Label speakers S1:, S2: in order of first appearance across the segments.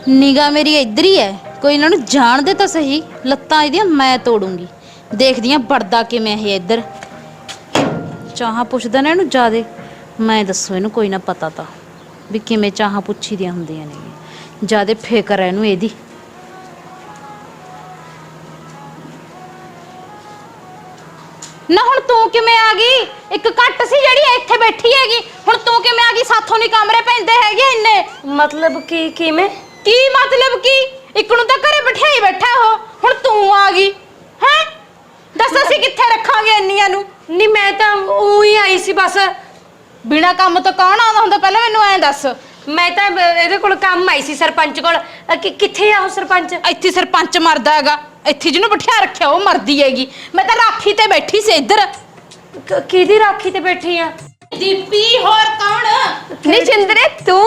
S1: ਨਿਗਾ ਮੇਰੀ ਇੱਧਰ ਹੀ ਹੈ। ਕੋਈ ਇਹਨਾਂ ਨੂੰ ਜਾਣਦੇ ਤਾਂ ਸਹੀ, ਲੱਤਾਂ ਇਹਦੀਆਂ ਮੈਂ ਤੋੜੂੰਗੀ। ਦੇਖਦੀ ਆਂ ਵੜਦਾ ਕਿਵੇਂ ਇਹ ਇੱਧਰ। ਚਾਹਾਂ ਪੁੱਛਦਾ ਨਾ ਇਹਨੂੰ ਜ਼ਿਆਦੇ, ਮੈਂ ਦੱਸੋ ਇਹਨੂੰ ਕੋਈ ਨਾ ਪਤਾ ਤਾਂ ਵੀ ਕਿਵੇਂ ਚਾਹਾਂ ਪੁੱਛੀ ਦੀਆਂ ਹੁੰਦੀਆਂ ਨੇ। ਜ਼ਿਆਦੇ ਫਿਕਰ ਹੈ ਇਹਨੂੰ ਇਹਦੀ। ਨਾ ਹੁਣ ਤੂੰ ਕਿਵੇਂ ਆ ਗਈ? ਇੱਕ ਘੱਟ ਸੀ ਜਿਹੜੀ ਇੱਥੇ ਬੈਠੀ ਹੈਗੀ, ਹੁਣ ਤੂੰ ਕਿਵੇਂ ਆ ਗਈ? ਸਾਥੋਂ ਨਹੀਂ ਕਮਰੇ ਪੈਂਦੇ ਹੈਗੇ ਇੰਨੇ।
S2: मतलब की किमें
S1: ਕੀ ਮਤਲਬ ਕੀ? ਇੱਕ ਨੂੰ ਤਾਂ ਘਰੇ ਬਿਠਾਈ ਬੈਠਾ ਉਹ, ਹੁਣ ਤੂੰ ਆ ਗਈ ਹੈ? ਦੱਸ ਅਸੀਂ ਕਿੱਥੇ ਰੱਖਾਂਗੇ ਇੰਨੀਆਂ ਨੂੰ?
S2: नहीं मैं तो ਉਹੀ ਆਈ ਸੀ ਬਸ।
S1: ਬਿਨਾ ਕੰਮ ਤੋਂ ਕੌਣ ਆਉਂਦਾ ਹੁੰਦਾ? ਪਹਿਲਾਂ ਮੈਨੂੰ ਐਂ ਦੱਸ।
S2: ਮੈਂ ਤਾਂ ਇਹਦੇ ਕੋਲ ਕੰਮ ਆਈ ਸੀ ਸਰਪੰਚ ਕੋਲ। ਕਿੱਥੇ ਆ ਉਹ ਸਰਪੰਚ?
S1: ਇੱਥੇ ਸਰਪੰਚ ਮਰਦਾ ਹੈਗਾ, ਇੱਥੇ ਜਿਹਨੂੰ ਬਿਠਾ ਰੱਖਿਆ ਉਹ ਮਰਦੀ ਹੈਗੀ। ਮੈਂ ਤਾਂ ਰਾਖੀ ਤੇ ਬੈਠੀ ਸੀ ਇੱਧਰ।
S2: ਕਿਹਦੀ ਰਾਖੀ ਤੇ ਬੈਠੀ ਆ?
S1: ਦੀਪੀ ਹੋਰ ਕੌਣ?
S2: ਨਹੀਂ ਚੰਦਰੇ ਤੂੰ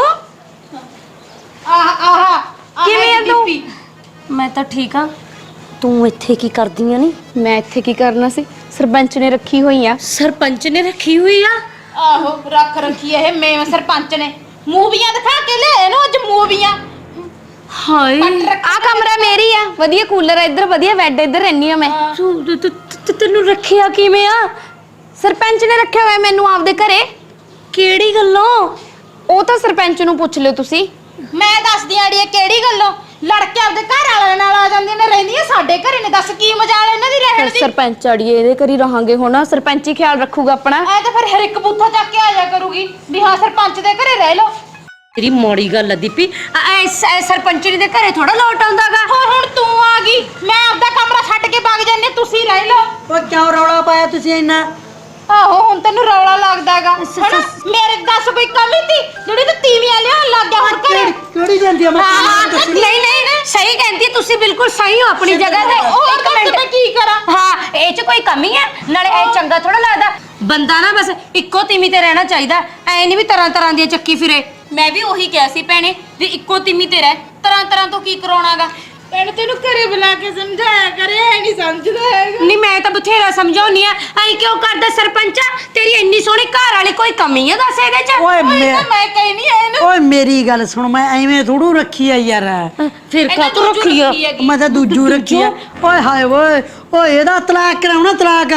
S1: ਆਹ ਆਹ
S2: ਕਿਵੇਂ ਆ ਤੂੰ? ਮੈਂ ਤਾਂ ਠੀਕ ਆ। ਤੂੰ ਇੱਥੇ ਕੀ ਕਰਦੀ ਆ? ਨੀ
S3: ਮੈਂ ਇੱਥੇ ਕੀ ਕਰਨਾ ਸੀ? ਸਰਪੰਚ ਨੇ ਰੱਖੀ ਹੋਈ ਆ।
S2: ਸਰਪੰਚ ਨੇ ਰੱਖੀ ਹੋਈ ਆ?
S1: ਆਹੋ ਰੱਖ ਰੱਖੀ ਇਹ ਮੈਂ ਸਰਪੰਚ ਨੇ। ਮੂਵੀਆਂ ਦਿਖਾ ਕੇ ਲੈ ਇਹਨੂੰ ਅੱਜ ਮੂਵੀਆਂ।
S2: ਹਾਏ
S3: ਆ ਕਮਰਾ ਮੇਰੀ ਆ, ਵਧੀਆ ਕੂਲਰ ਆ ਇੱਧਰ, ਵਧੀਆ ਬੈੱਡ ਇੱਧਰ ਰਹਿਨੀ ਆ ਮੈਂ।
S2: ਤੈਨੂੰ ਰੱਖਿਆ ਕਿਵੇਂ ਆ?
S3: ਸਰਪੰਚ ਨੇ ਰੱਖਿਆ ਹੋਇਆ ਮੈਨੂੰ ਆਪਦੇ ਘਰੇ।
S2: ਕਿਹੜੀ ਗੱਲੋਂ?
S3: ਉਹ ਤਾਂ ਸਰਪੰਚ ਨੂੰ ਪੁੱਛ ਲਿਓ ਤੁਸੀਂ।
S1: ਮੈਂ ਦੱਸਦੀ ਆੜੀਏ ਕਿਹੜੀ ਗੱਲੋਂ। ਲੜਕੇ ਆਪਦੇ ਘਰ ਵਾਲਿਆਂ ਨਾਲ ਆ ਜਾਂਦੀਆਂ ਨੇ, ਰਹਿੰਦੀਆਂ ਸਾਡੇ ਘਰੇ ਨੇ। ਦੱਸ ਕੀ ਮਜਾਲ ਇਹਨਾਂ ਦੀ ਰਹਿਣ ਦੀ?
S3: ਸਰਪੰਚ ਅੜੀਏ ਇਹਦੇ ਘਰੀ ਰਹਾਂਗੇ ਹੁਣ, ਸਰਪੰਚ ਹੀ ਖਿਆਲ ਰੱਖੂਗਾ ਆਪਣਾ।
S1: ਐ ਤਾਂ ਫਿਰ ਹਰ ਇੱਕ ਬੂਥਾ ਚੱਕ ਕੇ ਆ ਜਾ ਕਰੂਗੀ ਵੀ ਹਾਂ ਸਰਪੰਚ ਦੇ ਘਰੇ ਰਹਿ ਲਓ।
S2: ਤੇਰੀ ਮੋੜੀ ਗੱਲ ਆ ਦੀਪੀ। ਸਰਪੰਚਣੀ ਦੇ ਘਰੇ ਥੋੜਾ ਲੋਟ ਆਉਂਦਾਗਾ।
S1: ਹੁਣ ਤੂੰ ਆ ਗਈ, ਮੈਂ ਆਪਦਾ ਕਮਰਾ ਛੱਡ ਕੇ ਵਗ ਜਾਂਦੀ, ਤੁਸੀਂ ਰਹਿ ਲਓ।
S4: ਉਹ ਕਿਉਂ ਰੌਲਾ ਪਾਇਆ ਤੁਸੀਂ ਇੰਨਾ?
S1: ਆਹੋ ਹੁਣ ਤੈਨੂੰ ਰੌਲਾ ਲੱਗਦਾਗਾ। ਮੇਰੇ ਦੱਸ ਕੋਈ ਕਮੀ ਤੀ ਜਿਹੜੀ ਤੂੰ ਤੀਵੀਆਂ ਲਿਆਉਣ ਲੱਗ ਗਿਆ ਹੁਣ ਘਰੇ?
S4: ਕਿਹੜੀ ਜਾਂਦੀ ਆ? ਮੈਂ
S2: ਨਹੀਂ ਨਹੀਂ ਸਹੀ ਕਹਿੰਦੀ, ਤੁਸੀਂ ਬਿਲਕੁਲ ਸਹੀ ਹੋ ਆਪਣੀ ਜਗ੍ਹਾ ਤੇ।
S1: ਇੱਕ ਮਿੰਟ ਮੈਂ ਕੀ ਕਰਾਂ?
S2: ਹਾਂ ਇਹ ਚ ਕੋਈ ਕਮੀ ਹੈ? ਨਾਲੇ ਇਹ ਚੰਗਾ ਥੋੜਾ ਲੱਗਦਾ ਬੰਦਾ ਨਾ ਬਸ ਇੱਕੋ ਤੀਮੀ ਤੇ ਰਹਿਣਾ ਚਾਹੀਦਾ। ਐ ਨਹੀਂ ਵੀ ਤਰ੍ਹਾਂ ਤਰ੍ਹਾਂ ਦੀਆਂ ਚੱਕੀ ਫਿਰੇ।
S1: ਮੈਂ ਵੀ ਉਹੀ ਕਿਹਾ ਸੀ ਭੈਣੇ ਵੀ ਇੱਕੋ ਤੀਮੀ ਤੇ ਰਹਿ, ਤਰ੍ਹਾਂ ਤਰ੍ਹਾਂ ਤੋਂ ਕੀ ਕਰਾਉਣਾਗਾ। ਭੈਣੇ ਤੈਨੂੰ ਘਰੇ ਬੁਲਾ ਕੇ ਸਮਝਾਇਆ ਕਰੇ, ਹੈ ਨਹੀਂ ਸਮਝਦਾ ਹੈਗਾ।
S2: ਨਹੀਂ ਮੈਂ ਤਾਂ ਬਥੇਰਾ ਸਮਝਾਉਣੀ ਆ। ਐ ਕਿਉਂ ਕਰਦਾ ਸਰਪੰਚਾ? ਤੇਰੀ ਇੰਨੀ ਸੋਹਣੀ ਘਰ ਵਾਲੀ ਕੋਈ ਕਮੀ ਹੈ ਦੱਸ ਇਹਦੇ ਚ?
S4: ਓਏ
S1: ਮੈਂ ਕਹਿਨੀ ਆ ਇਹਨੂੰ।
S4: ਓਏ ਮੇਰੀ ਗੱਲ ਸੁਣ, ਮੈਂ ਐਵੇਂ ਥੋੜੂ ਰੱਖੀ ਆ ਯਾਰ।
S2: ਫਿਰ ਕਾਤੋਂ ਰੱਖੀ ਆ?
S4: ਮੈਂ ਤਾਂ ਦੂਜੂ ਰੱਖੀ ਆ। ਓਏ ਹਾਏ ਓਏ ਓਏ ਇਹਦਾ ਤਲਾਕ ਕਰਾਉਣਾ, ਤਲਾਕ।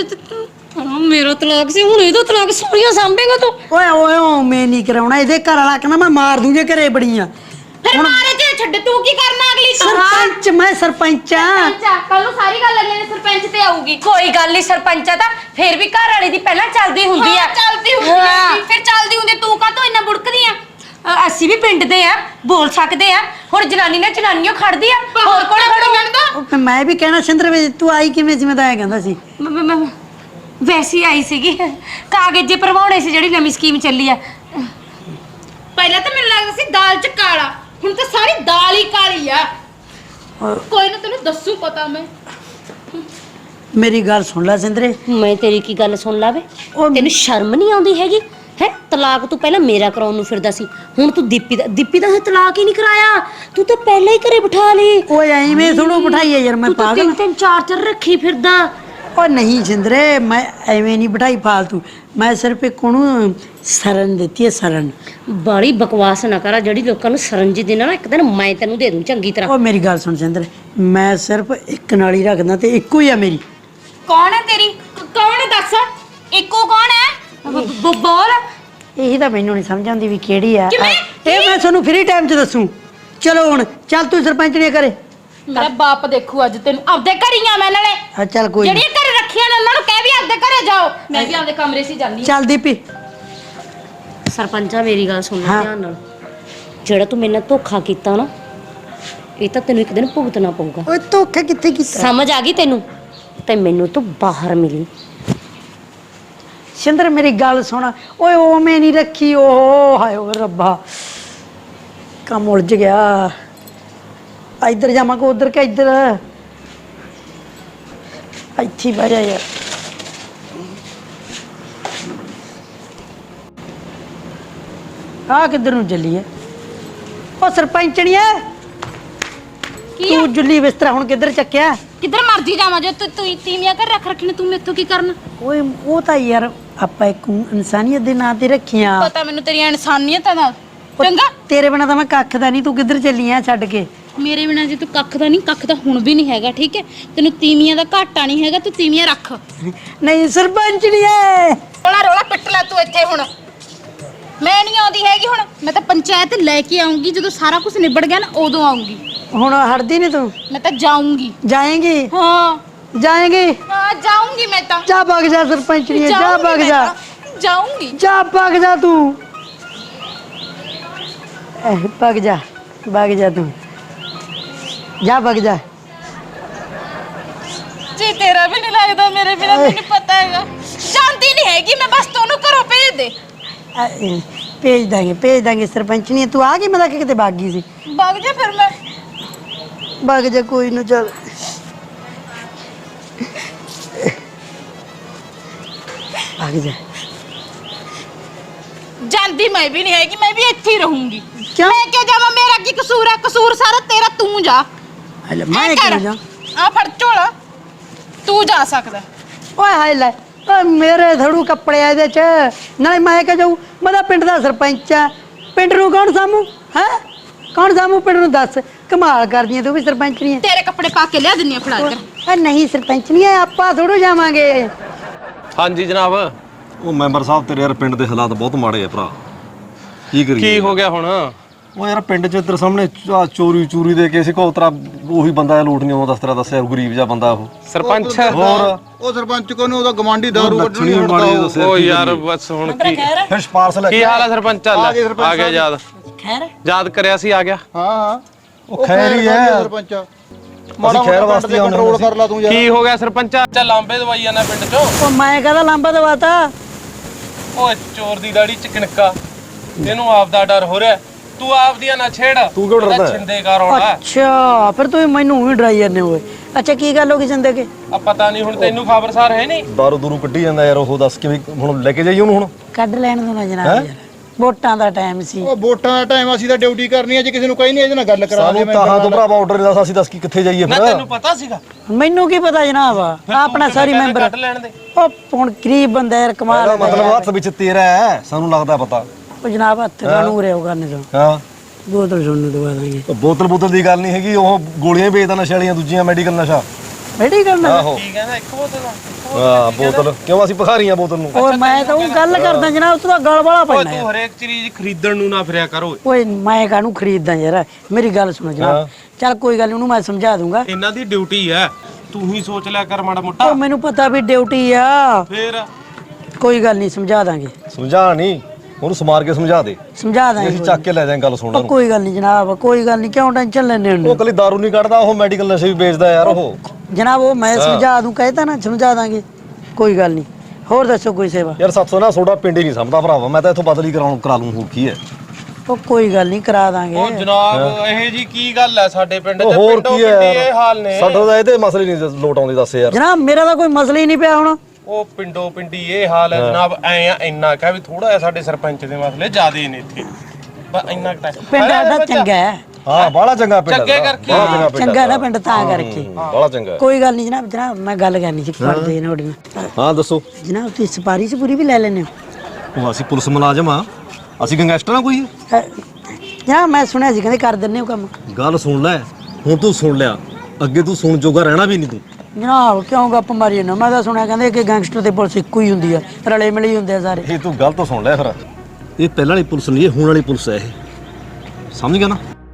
S2: ਮੇਰਾ ਤਲਾਕ ਸੀ, ਹੁਣ ਇਹਦਾ ਤਲਾਕ ਸੋਹਣੀਆਂ ਸਾਂਭੇਗਾ ਤੂੰ?
S4: ਓਏ ਓਏ ਓ ਮੈਂ ਨਹੀਂ ਕਰਾਉਣਾ। ਇਹਦੇ ਘਰ ਵਾਲਾ ਕਹਿੰਦਾ ਮੈਂ ਮਾਰ ਦੂੰ ਜੇ ਘਰੇ ਬੜੀ ਆ।
S1: ਫਿਰ ਮਾਰੇ ਤੇ ਛੱਡ, ਤੂੰ ਕੀ ਕਰਨਾ ਅਗਲੀ ਤੋਂ?
S4: ਸਰਪੰਚ, ਮੈਂ ਸਰਪੰਚ ਆ।
S1: ਕੱਲ ਨੂੰ ਸਾਰੀ ਗੱਲ ਅਗਲੇ ਨੇ ਸਰਪੰਚ ਤੇ ਆਊਗੀ।
S2: ਕੋਈ ਗੱਲ ਨਹੀਂ ਸਰਪੰਚਾ ਤਾਂ ਫੇਰ ਵੀ ਘਰ ਵਾਲੇ ਦੀ ਪਹਿਲਾਂ ਚੱਲਦੀ ਹੁੰਦੀ ਆ।
S1: ਚੱਲਦੀ ਹੁੰਦੀ ਆ। ਫਿਰ ਚੱਲਦੀ ਹੁੰਦੀ ਤੂੰ ਕਾਹਤੋਂ ਇੰਨਾ ਬੁੜਕਦੀ ਆ?
S2: ਅਸੀਂ ਵੀ ਪਿੰਡ ਦੇ ਆ, ਬੋਲ ਸਕਦੇ ਆ। ਹੁਣ ਜਨਾਨੀ ਨਾਲ ਜਨਾਨੀਓ ਖੜਦੀ ਆ, ਹੋਰ ਕੋਣ ਖੜੂਗਾ?
S4: ਉਹ ਮੈਂ ਵੀ ਕਹਿਣਾ ਸਿੰਦਰ ਵੀ ਤੂੰ ਆਈ ਕਿਵੇਂ ਸੀ? ਮੈਂ ਤਾਂ ਐ ਕਹਿੰਦਾ ਸੀ
S2: ਵੈਸੇ ਹੀ ਆਈ ਸੀਗੀ, ਕਾਗਜ਼ ਜੇ ਭਰਵਾਉਣੇ ਸੀ ਜਿਹੜੀ ਨਵੀਂ ਸਕੀਮ ਚੱਲੀ ਆ।
S1: ਪਹਿਲਾਂ ਤਾਂ ਮੈਨੂੰ ਲੱਗਦਾ ਸੀ ਦਾਲ ਚ ਕਾਲਾ, ਹੁਣ ਤਾਂ ਸਾਰੀ ਦਾਲ ਹੀ ਕਾਲੀ ਆ। ਕੋਈ ਨਾ ਤੈਨੂੰ ਦੱਸੂ ਪਤਾ ਮੈਂ।
S4: ਮੇਰੀ ਗੱਲ ਸੁਣ ਲੈ ਸਿੰਦਰੇ।
S2: ਮੈਂ ਤੇਰੀ ਕੀ ਗੱਲ ਸੁਣ ਲਾਵੇ?
S4: ਉਹ
S2: ਤੈਨੂੰ ਸ਼ਰਮ ਨਹੀਂ ਆਉਂਦੀ ਹੈਗੀ ਹੈ? ਤਲਾਕ ਤੂੰ ਪਹਿਲਾਂ ਮੇਰਾ ਕਰਾਉਣ ਨੂੰ ਫਿਰਦਾ ਸੀ, ਹੁਣ ਤੂੰ ਦੀਪੀ ਦਾ ਤਲਾਕ ਹੀ ਨਹੀਂ ਕਰਾਇਆ। ਤੂੰ ਤਾਂ ਪਹਿਲਾਂ ਹੀ ਘਰੇ ਬਿਠਾ ਲਈ।
S4: ਓਏ ਐਵੇਂ ਥੋੜੂ ਬਿਠਾਈ ਆ ਯਾਰ, ਮੈਂ ਪਾਗਲ।
S2: ਤਿੰਨ ਤਿੰਨ ਚਾਰ ਚਾਰ ਰੱਖੀ ਫਿਰਦਾ।
S4: ਓ ਨਹੀਂ ਸਿੰਦਰੇ, ਮੈਂ ਐਵੇਂ ਨਹੀਂ ਬਿਠਾਈ ਫਾਲਤੂ। ਮੈਂ ਸਿਰਫ ਇੱਕ ਉਹਨੂੰ ਸਰਨ ਦਿੱਤੀ ਹੈ, ਸਰਨ।
S2: ਬਾਲੀ ਬਕਵਾਸ ਨਾ ਕਰਾ। ਜਿਹੜੀ ਲੋਕਾਂ ਨੂੰ ਸਰਨ ਜੀ ਦੇਣਾ ਨਾ, ਇੱਕ ਦਿਨ ਮੈਂ ਤੈਨੂੰ ਦੇ ਦੂੰ ਚੰਗੀ ਤਰ੍ਹਾਂ।
S4: ਓ ਮੇਰੀ ਗੱਲ ਸੁਣ ਸਿੰਦਰ, ਮੈਂ ਸਿਰਫ ਇੱਕ ਨਾਲ ਹੀ ਰੱਖਦਾ ਤੇ ਇੱਕੋ ਹੀ ਆ ਮੇਰੀ।
S1: ਕੌਣ ਹੈ ਤੇਰੀ? ਕੌਣ ਹੈ ਦੱਸ? ਇੱਕੋ ਕੌਣ ਹੈ?
S2: ਬੋਲ।
S4: ਇਹੀ ਤਾਂ ਮੈਨੂੰ ਨਹੀਂ ਸਮਝ ਆਉਂਦੀ ਵੀ ਕਿਹੜੀ ਆ।
S1: ਕਿਵੇਂ?
S4: ਇਹ ਮੈਂ ਤੁਹਾਨੂੰ ਫ੍ਰੀ ਟਾਈਮ 'ਚ ਦੱਸੂ। ਚਲੋ ਹੁਣ ਚੱਲ ਤੂੰ ਸਰਪੰਚ ਨੇ ਕਰੇ।
S1: ਮੇਰਾ ਬਾਪ ਦੇਖੂ ਅੱਜ ਤੈਨੂੰ। ਆਪਦੇ ਘਰੀਆਂ ਮੈਂ ਨਾਲੇ
S4: ਹਾਂ ਚੱਲ ਕੋਈ ਨੀ।
S1: ਜਿਹੜੀਆਂ ਘਰੇ ਰੱਖੀਆਂ ਨੇ ਉਹਨਾਂ ਨੂੰ ਕਹਿ ਵੀ ਆਪਦੇ ਘਰੇ ਜਾਓ। ਮੈਂ ਵੀ ਆਪਦੇ ਕਮਰੇ 'ਚ ਹੀ ਜਾਂਦੀ।
S4: ਚੱਲ ਦੀਪੀ।
S2: ਸਰਪੰਚਾ ਮੇਰੀ ਗੱਲ ਸੁਣ ਲੈ
S4: ਹਾਂ।
S2: ਧਿਆਨ ਨਾਲ। ਜਿਹੜਾ ਤੂੰ ਮੇਰੇ ਨਾਲ ਧੋਖਾ ਕੀਤਾ ਨਾ, ਇਹ ਤਾਂ ਤੈਨੂੰ ਇੱਕ ਦਿਨ ਭੁਗਤਣਾ ਪਊਗਾ।
S4: ਓਏ ਧੋਖਾ ਕਿੱਥੇ ਕੀਤਾ?
S2: ਸਮਝ ਆ ਗਈ ਤੈਨੂੰ? ਤੇ ਮੈਨੂੰ ਤੂੰ ਬਾਹਰ ਮਿਲੀ।
S4: ਸਿੰਦਰ ਮੇਰੀ ਗੱਲ ਸੁਣ। ਓਏ ਓਵੇਂ ਨਹੀਂ ਰੱਖੀ। ਓ ਹਾਏ ਓ ਰੱਬਾ, ਕੰਮ ਉਲਝ ਗਿਆ। ਇੱਧਰ ਜਾਵਾਂਗਾ ਉਧਰ ਕਿ ਇੱਧਰ? ਇੱਥੇ ਬਹਿ ਜਾ ਯਾਰ। ਆ ਕਿੱਧਰ ਨੂੰ ਚੱਲੀ ਐ? ਉਹ ਸਰਪੰਚਣੀਏ, ਤੂੰ ਜੁੱਲੀ ਬਿਸਤਰਾ ਹੁਣ ਕਿੱਧਰ ਚੱਕਿਆ?
S1: ਕਿੱਧਰ ਮਰਜੀ ਜਾਵਾਂ, ਜੋ ਤੂੰ ਤੀਵੀਆਂ ਘਰ ਰੱਖ ਰੱਖੀ ਨੇ, ਤੂੰ ਮੈਥੋਂ ਕੀ ਕਰਨਾ?
S4: ਓਏ ਉਹ ਤਾਂ ਯਾਰ ਆਪਾਂ ਇੱਕ ਇਨਸਾਨੀਅਤ ਦੇ ਨਾਂ ਤੇ ਰੱਖੀਆਂ।
S1: ਪਤਾ ਮੈਨੂੰ ਤੇਰੀਆਂ ਇਨਸਾਨੀਅਤਾਂ ਦਾ। ਚੰਗਾ
S4: ਤੇਰੇ ਬਿਨਾ ਤਾਂ ਮੈਂ ਕੱਖ ਦਾ ਨਹੀਂ, ਤੂੰ ਕਿੱਧਰ ਚੱਲੀ ਆ ਛੱਡ ਕੇ?
S1: ਮੇਰੇ ਬਿਨਾ ਜੇ ਤੂੰ ਕੱਖ ਦਾ ਨਹੀਂ, ਕੱਖ ਤਾਂ ਹੁਣ ਵੀ ਨਹੀਂ ਹੈਗਾ, ਠੀਕ ਹੈ? ਤੈਨੂੰ ਤੀਵੀਆਂ ਦਾ ਘਾਟਾ ਨਹੀਂ ਹੈਗਾ, ਤੂੰ ਤੀਵੀਆਂ ਰੱਖ।
S4: ਨਹੀਂ ਸਰਪੰਚ ਨਹੀਂ ਐ।
S1: ਰੋਲਾ ਰੋਲਾ ਪਿੱਟ ਲੈ ਤੂੰ ਇੱਥੇ ਹੁਣ। ਮੈਂ ਨਹੀਂ ਆਉਂਦੀ ਹੈਗੀ ਹੁਣ, ਮੈਂ ਤਾਂ ਪੰਚਾਇਤ ਲੈ ਕੇ ਆਉਂਗੀ, ਜਦੋਂ ਸਾਰਾ ਕੁਝ ਨਿਬੜ ਗਿਆ ਨਾ ਉਦੋਂ ਆਉਂਗੀ।
S4: ਹੁਣ ਹਟਦੀ ਨਹੀਂ ਤੂੰ?
S1: ਮੈਂ ਤਾਂ ਜਾਊਂਗੀ।
S4: ਜਾਏਂਗੀ?
S1: ਹਾਂ
S4: ਜਾਏਂਗੀ?
S1: ਹਾਂ ਜਾਊਂਗੀ ਮੈਂ ਤਾਂ।
S4: ਜਾ ਭੱਗ ਜਾ ਸਰਪੰਚ ਨਹੀਂ, ਜਾ
S1: ਜਾਊਂਗੀ
S4: ਭੱਗ
S1: ਮੈਂ
S4: ਜਾ,
S1: ਤਾਂ, ਜਾਊਂਗੀ।
S4: ਜਾ ਭੱਗ ਜਾ ਤੂੰ, ਭੱਗ ਜਾ, ਭੱਗ ਜਾ ਤੂੰ, ਜਾ ਭੱਗ ਜਾ।
S1: ਜੀ ਤੇਰਾ ਵੀ ਨਹੀਂ ਲੱਗਦਾ ਮੇਰੇ ਬਿਨਾ, ਤੈਨੂੰ ਪਤਾ ਹੈਗਾ। ਜਾਂਦੀ ਨਹੀਂ ਹੈਗੀ ਮੈਂ, ਬਸ ਤੈਨੂੰ ਘਰੋਂ ਭੇਜ ਦੇ।
S4: ਭੇਜ ਦਾਂਗੇ ਸਰਪੰਚ ਨਹੀਂ। ਤੂੰ ਆ ਗਈ, ਮੈਂ ਤਾਂ ਕਿਤੇ ਭੱਗ ਗਈ ਸੀ।
S1: ਭੱਗ ਜਾ ਫਿਰ ਮੈਂ।
S4: ਭੱਗ ਜਾ, ਕੋਈ ਨਾ, ਚੱਲ ਭੱਗ ਜਾ।
S1: ਜਾਂਦੀ ਮੈਂ ਵੀ ਨਹੀਂ ਹੈਗੀ, ਮੈਂ ਵੀ ਇੱਥੇ ਹੀ ਰਹੂੰਗੀ।
S4: ਕਿਉਂ?
S1: ਮੈਂ ਕਿਉਂ ਜਾਵਾਂ? ਮੇਰਾ ਕੀ ਕਸੂਰ ਹੈ? ਕਸੂਰ ਸਾਰਾ ਤੇਰਾ, ਤੂੰ ਜਾ।
S4: ਹਲੇ ਮੈਂ ਕਿਉਂ ਜਾ?
S1: ਆ ਫੜ ਝੋਲਾ, ਤੂੰ ਜਾ ਸਕਦਾ।
S4: ਓਏ ਹਾਏ ਲੈ, ਓਏ ਮੇਰੇ ਧੜੂ ਕੱਪੜੇ ਆ ਇਹਦੇ ਚ, ਨਾਲੇ ਮੈਂ ਕਿਹਾ ਜਾਊ? ਮੈਂ ਤਾਂ ਪਿੰਡ ਦਾ ਸਰਪੰਚ ਆ, ਪਿੰਡ ਨੂੰ ਕੌਣ ਸਾਮੂ ਹੈ? ਕੌਣ ਸਾਮੂ ਪਿੰਡ ਨੂੰ? ਦੱਸ, ਕਮਾਲ ਕਰਦੀ ਐ ਤੂੰ ਵੀ, ਸਰਪੰਚ ਨਹੀਂ ਐ?
S1: ਤੇਰੇ ਕੱਪੜੇ ਪਾ ਕੇ ਲਿਆ ਦਿੰਨੀ ਆ, ਫੜਾ ਕੇ।
S4: ਓਏ ਨਹੀਂ ਸਰਪੰਚ ਨਹੀਂ ਐ, ਆਪਾਂ ਥੋੜੋ ਜਾਵਾਂਗੇ।
S5: ਹਾਂਜੀ ਜਨਾਬ।
S6: ਉਹ ਮੈਂਬਰ ਸਾਹਿਬ ਤੇਰੇ ਯਾਰ ਪਿੰਡ ਦੇ ਹਾਲਾਤ ਬਹੁਤ ਮਾੜੇ ਆ ਭਰਾ, ਕੀ ਕਰੀਏ?
S5: ਕੀ ਹੋ ਗਿਆ ਹੁਣ?
S6: ਉਹ ਯਾਰ ਪਿੰਡ 'ਚ ਤੇਰੇ ਸਾਹਮਣੇ ਚੋਰੀ ਦੇ ਕੇ ਸੀ ਕੋ ਤਰਾ, ਉਹੀ ਬੰਦਾ ਲੂਟ ਨਹੀਂ ਆਉਂਦਾ, ਤੇਰਾ ਦੱਸਿਆ ਗਰੀਬ ਜਿਹਾ ਬੰਦਾ ਉਹ।
S5: ਸਰਪੰਚ
S6: ਹੋਰ
S7: ਉਹ ਸਰਪੰਚ ਕੋ ਨੂੰ ਉਹਦਾ ਗਵਾਂਢੀ ਦਾਰੂ
S6: ਲੱਛਣੀ
S7: ਵੱਢਣੀ
S6: ਮਾੜੀ
S7: ਹਟਦਾ
S6: ਦੱਸਿਆ
S5: ਓ
S6: ਕੀ
S5: ਯਾਰ
S6: ਕਰੀਏ?
S5: ਬਸ ਹੁਣ ਕੀ
S6: ਫਿਰ ਸਪਾਰਸ ਲੈ
S5: ਕੀ ਹਾਲ ਆ ਸਰਪੰਚ? ਚੱਲ
S7: ਆ ਗਏ ਸਰਪੰਚ
S5: ਆ ਗਿਆ ਯਾਦ।
S4: ਖੈਰ
S5: ਯਾਦ ਕਰਿਆ ਸੀ, ਆ ਗਿਆ।
S7: ਹਾਂ
S6: ਉਹ ਖੈਰ ਹੀ ਹੈ
S7: ਸਰਪੰਚ ਮਾੜਾ
S6: ਖੈਰ
S7: ਖੈਰ
S6: ਵਾਸਤੇ
S7: ਵਾਸਤੇ
S6: ਆਉਂਦੇ
S7: ਕੰਟਰੋਲ ਕਰ ਲਾ ਤੂੰ ਯਾਰ।
S5: ਕੀ ਹੋ ਗਿਆ ਸਰਪੰਚਾ? ਚੱਲ ਲਾਂਬੇ ਦਵਾਈ ਜਾਣਾ ਪਿੰਡ ਚੋਂ।
S4: ਉਹ ਮੈਂ ਕਹਦਾ ਲਾਂਬਾ ਦਵਾਤਾ?
S5: ਓਏ ਚੋਰ ਦੀ ਦਾੜੀ ਚ ਕਿਣਕਾ, ਇਹਨੂੰ ਆਪ ਦਾ ਡਰ ਹੋ ਰਿਹਾ। ਤੂੰ ਆਪ ਦੀਆਂ ਨਾ ਛੇੜ,
S6: ਤੂੰ ਕਿਉਂ ਡਰਦਾ?
S5: ਛਿੰਦੇ ਕਰ ਆਉਣਾ।
S4: ਅੱਛਾ, ਫਿਰ ਤੂੰ ਮੈਨੂੰ ਹੀ ਡਰਾਈ ਜਾਂਦੇ ਹੋਏ। ਅੱਛਾ ਕੀ ਗੱਲ ਹੋ ਗਈ ਜਿੰਦੇ ਕੇ?
S5: ਆ ਪਤਾ ਨਹੀਂ ਹੁਣ ਤੈਨੂੰ ਖਬਰਸਾਰ ਹੈ ਨਹੀਂ?
S6: ਦਾਰੂ ਦੂਰੂ ਕੱਢੀ ਜਾਂਦਾ ਯਾਰ, ਉਹ ਦੱਸ ਕਿਵੇਂ ਹੁਣ ਲੈ ਕੇ ਜਾਈਏ ਉਹਨੂੰ? ਹੁਣ
S4: ਕੱਢ ਲੈਣ ਦੋ ਨਾ ਜਨਾਬ ਯਾਰ, ਵੋਟਾਂ ਦਾ ਟਾਈਮ ਸੀ।
S7: ਉਹ ਵੋਟਾਂ ਦਾ ਟਾਈਮ, ਅਸੀਂ ਤਾਂ ਡਿਊਟੀ ਕਰਨੀ ਹੈ। ਜੇ ਕਿਸੇ ਨੂੰ ਕਹੀ ਨਹੀਂ ਇਹਦੇ ਨਾਲ ਗੱਲ ਕਰਾ
S6: ਸਾਨੂੰ ਤਾਂ ਤੋਂ ਭਰਾਵਾ ਆਰਡਰ ਨਹੀਂ ਦੱਸ, ਅਸੀਂ ਦੱਸ ਕੀ ਕਿੱਥੇ ਜਾਈਏ
S5: ਨਾ
S6: ਫਿਰ?
S5: ਤੈਨੂੰ ਪਤਾ ਸੀਗਾ?
S4: ਮੈਨੂੰ ਕੀ ਪਤਾ ਜਨਾਬ, ਆਪਣਾ ਸਾਰੀ ਮੈਂਬਰ।
S5: ਕੱਢ ਲੈਣ ਦੇ।
S4: ਉਹ ਹੁਣ ਗਰੀਬ ਬੰਦਾ ਯਾਰ, ਕਮਾਲ
S6: ਇਹਦਾ ਮਤਲਬ ਹੱਥ ਵਿੱਚ ਤੇਰਾ ਹੈ, ਸਾਨੂੰ ਲੱਗਦਾ ਪਤਾ।
S4: ਉਹ ਜਨਾਬ ਹੱਥ ਕਾਨੂੰ ਰਿਓ ਕਰਨੇ ਤੋਂ,
S6: ਹਾਂ
S4: ਬੋਤਲ ਸੁਣਨ ਦਵਾ ਦਾਂਗੇ।
S6: ਉਹ ਬੋਤਲ ਦੀ ਗੱਲ ਨਹੀਂ ਹੈਗੀ, ਉਹ ਗੋਲੀਆਂ ਹੀ ਵੇਚਦਾ ਨਸ਼ੇ ਵਾਲੀਆਂ, ਦੂਜੀਆਂ ਮੈਡੀਕਲ ਨਸ਼ਾ।
S4: ਬੈਠੀ ਕਰਨਾ?
S6: ਆਹੋ
S5: ਕੀ ਕਹਿੰਦਾ? ਇੱਕ ਬੋਤਲ ਦਾ?
S6: ਹਾਂ ਬੋਤਲ ਕਿਉਂ? ਅਸੀਂ ਭਖਾਰੀਆਂ ਬੋਤਲ ਨੂੰ।
S4: ਓਏ ਮੈਂ ਤਾਂ ਉਹ ਗੱਲ ਕਰਦਾ ਜਨਾਬ, ਤੂੰ ਤਾਂ ਗਲ ਵਾਲਾ
S5: ਓਏ
S4: ਪੈਣਾ
S5: ਤੂੰ
S4: ਯਾਰ।
S5: ਹਰੇਕ ਚੀਜ਼ ਖਰੀਦਣ ਨੂੰ ਨਾ ਫਿਰਿਆ ਕਰ ਓਏ।
S4: ਓਏ ਮੈਂ ਕਾਹਨੂੰ ਖਰੀਦਦਾ ਯਾਰ, ਮੇਰੀ ਗੱਲ ਸੁਣੋ ਜਨਾਬ। ਚੱਲ ਕੋਈ ਗੱਲ ਨੀ, ਉਹਨੂੰ ਮੈਂ ਸਮਝਾ ਦੂੰਗਾ।
S5: ਇਹਨਾਂ ਦੀ ਡਿਊਟੀ ਹੈ, ਤੂੰ ਹੀ ਸੋਚ ਲਿਆ ਕਰ ਮਾੜਾ ਮੋਟਾ।
S4: ਉਹ ਮੈਨੂੰ ਪਤਾ ਵੀ ਡਿਊਟੀ ਆ,
S5: ਫੇਰ
S4: ਕੋਈ ਗੱਲ ਨਹੀਂ, ਸਮਝਾ ਦਾਂਗੇ।
S6: ਸਮਝਾ ਨਹੀਂ, ਉਹਨੂੰ ਸਮਾਰ ਕੇ ਸਮਝਾ ਦੇ,
S4: ਸਮਝਾ ਦਾਂਗੇ।
S6: ਅਸੀਂ ਚੱਕ ਕੇ ਲੈ ਜਾਵਾਂਗੇ। ਗੱਲ ਸੁਣ
S4: ਉਹ ਕੋਈ ਗੱਲ ਨਹੀਂ ਜਨਾਬ, ਕੋਈ ਗੱਲ ਨਹੀਂ, ਕਿਉਂ ਟੈਨਸ਼ਨ ਲੈਣੇ
S6: ਉਹ
S4: ਹੁੰਦੇ
S6: ਕੱਲੀ ਦਾਰੂ ਨਹੀਂ ਕੱਢਦਾ, ਉਹ ਮੈਡੀਕਲ ਨਸ਼ੇ ਵੀ ਵੇਚਦਾ ਯਾਰ ਉਹ।
S4: ਜਨਾਬ? ਉਹ ਮੈਂ ਸਮਝਾ ਦੂੰ, ਕਹਿਤਾ ਨਾ, ਸਮਝਾ ਦਾਂਗੇ, ਕੋਈ ਗੱਲ ਨਹੀਂ। ਹੋਰ ਦੱਸੋ ਕੋਈ ਸੇਵਾ?
S6: ਯਾਰ ਸਾਥੋਂ ਨਾ ਤੁਹਾਡਾ ਪਿੰਡ ਹੀ ਨਹੀਂ ਸਮਝਦਾ ਭਰਾਵਾ, ਮੈਂ ਤਾਂ ਇੱਥੋਂ ਬਦਲੀ ਕਰਾ ਲੂੰ, ਹੋਰ ਕੀ ਹੈ?
S4: ਉਹ ਕੋਈ ਗੱਲ ਨਹੀਂ, ਕਰਾ ਦਾਂਗੇ।
S5: ਉਹ ਜਨਾਬ ਇਹ ਜੀ ਕੀ ਗੱਲ ਹੈ ਸਾਡੇ ਪਿੰਡ
S6: ਉਹ
S5: ਤੇ?
S6: ਹੋਰ
S5: ਪਿੰਡੋਂ
S6: ਕੀ
S5: ਪਿੰਡੀ
S6: ਹੈ
S5: ਇਹ ਹਾਲ ਨੇ।
S6: ਸਾਡਾ ਤਾਂ ਇਹਦੇ ਮਸਲੇ ਨਹੀਂ ਲੋਟ ਆਉਂਦੇ, ਦੱਸ ਯਾਰ।
S4: ਜਨਾਬ ਮੇਰਾ ਤਾਂ ਕੋਈ ਮਸਲਾ ਹੀ ਨਹੀਂ ਪਿਆ ਹੁਣ।
S5: ਉਹ ਪਿੰਡੋਂ ਪਿੰਡੀ ਇਹ ਹਾਲ ਹੈ ਜਨਾਬ। ਐ ਆ ਇੰਨਾ ਕਹਿ ਵੀ ਥੋੜਾ ਜਿਹਾ ਸਾਡੇ ਸਰਪੰਚ ਦੇ ਮਸਲੇ ਜ਼ਿਆਦੇ ਨੇ ਇੱਥੇ, ਬਸ ਇੰਨਾ ਟਾਈਮ।
S4: ਪਿੰਡ ਸਾਡਾ ਚੰਗਾ ਹੈ,
S6: ਹਾਂ ਬਾਹਲਾ ਚੰਗਾ ਪਿੰਡ
S5: ਚੰਗੇ
S6: ਦਾ,
S5: ਕਰਕੇ।
S6: ਬਾਹਲਾ ਚੰਗਾ ਪਿੰਡ
S4: ਚੰਗਾ ਨਾ ਪਿੰਡ ਤਾਂ ਕਰਕੇ।
S6: ਬਾਹਲਾ ਚੰਗਾ।
S4: ਕੋਈ ਗੱਲ ਨਹੀਂ ਜਨਾਬ, ਜਨਾਬ ਮੈਂ ਗੱਲ ਕਰਨੀ ਸੀ ਕਰਦੇ ਨੋੜੀ ਨਾਲ।
S6: ਹਾਂ ਦੱਸੋ।
S4: ਜਨਾਬ ਤੁਸੀਂ ਸਪਾਰੀ ਚ ਪੂਰੀ ਵੀ ਲੈ ਲੈਣੇ ਹੋ?
S6: ਉਹ ਅਸੀਂ ਪੁਲਿਸ ਮੁਲਾਜ਼ਮ ਆ, ਅਸੀਂ ਗੈਂਗਸਟਰ ਆ ਕੋਈ?
S4: ਜਨਾਬ ਮੈਂ ਸੁਣਿਆ ਸੀ ਕਹਿੰਦੇ ਕਰ ਦਿੰਦੇ ਹੋ ਕੰਮ।
S6: ਗੱਲ ਸੁਣ ਲੈ, ਹੁਣ ਤੂੰ ਸੁਣ ਲਿਆ, ਅੱਗੇ ਤੂੰ ਸੁਣ ਜੋਗਾ ਰਹਿਣਾ ਵੀ ਨਹੀਂ ਤੂੰ।
S4: ਜਨਾਬ ਕਿਉਂ ਗੱਪ ਮਾਰੀ ਨਾ? ਮੈਂ ਤਾਂ ਸੁਣਿਆ ਕਹਿੰਦੇ ਕਿ ਗੈਂਗਸਟਰ ਤੇ ਪੁਲਿਸ ਇੱਕੋ ਹੀ ਹੁੰਦੀ ਆ, ਰਲੇ ਮਿਲੇ ਹੀ ਹੁੰਦੇ ਆ ਸਾਰੇ।
S6: ਇਹ ਤੂੰ ਗਲਤ ਸੁਣ ਲਿਆ ਫਿਰ। ਇਹ ਪਹਿਲਾਂ ਵਾਲੀ ਪੁਲਿਸ ਨਹੀਂ, ਇਹ ਹੁਣ ਵਾਲੀ ਪੁਲਿਸ ਹੈ ਇਹ, ਸਮਝ ਗਿਆ ਨਾ?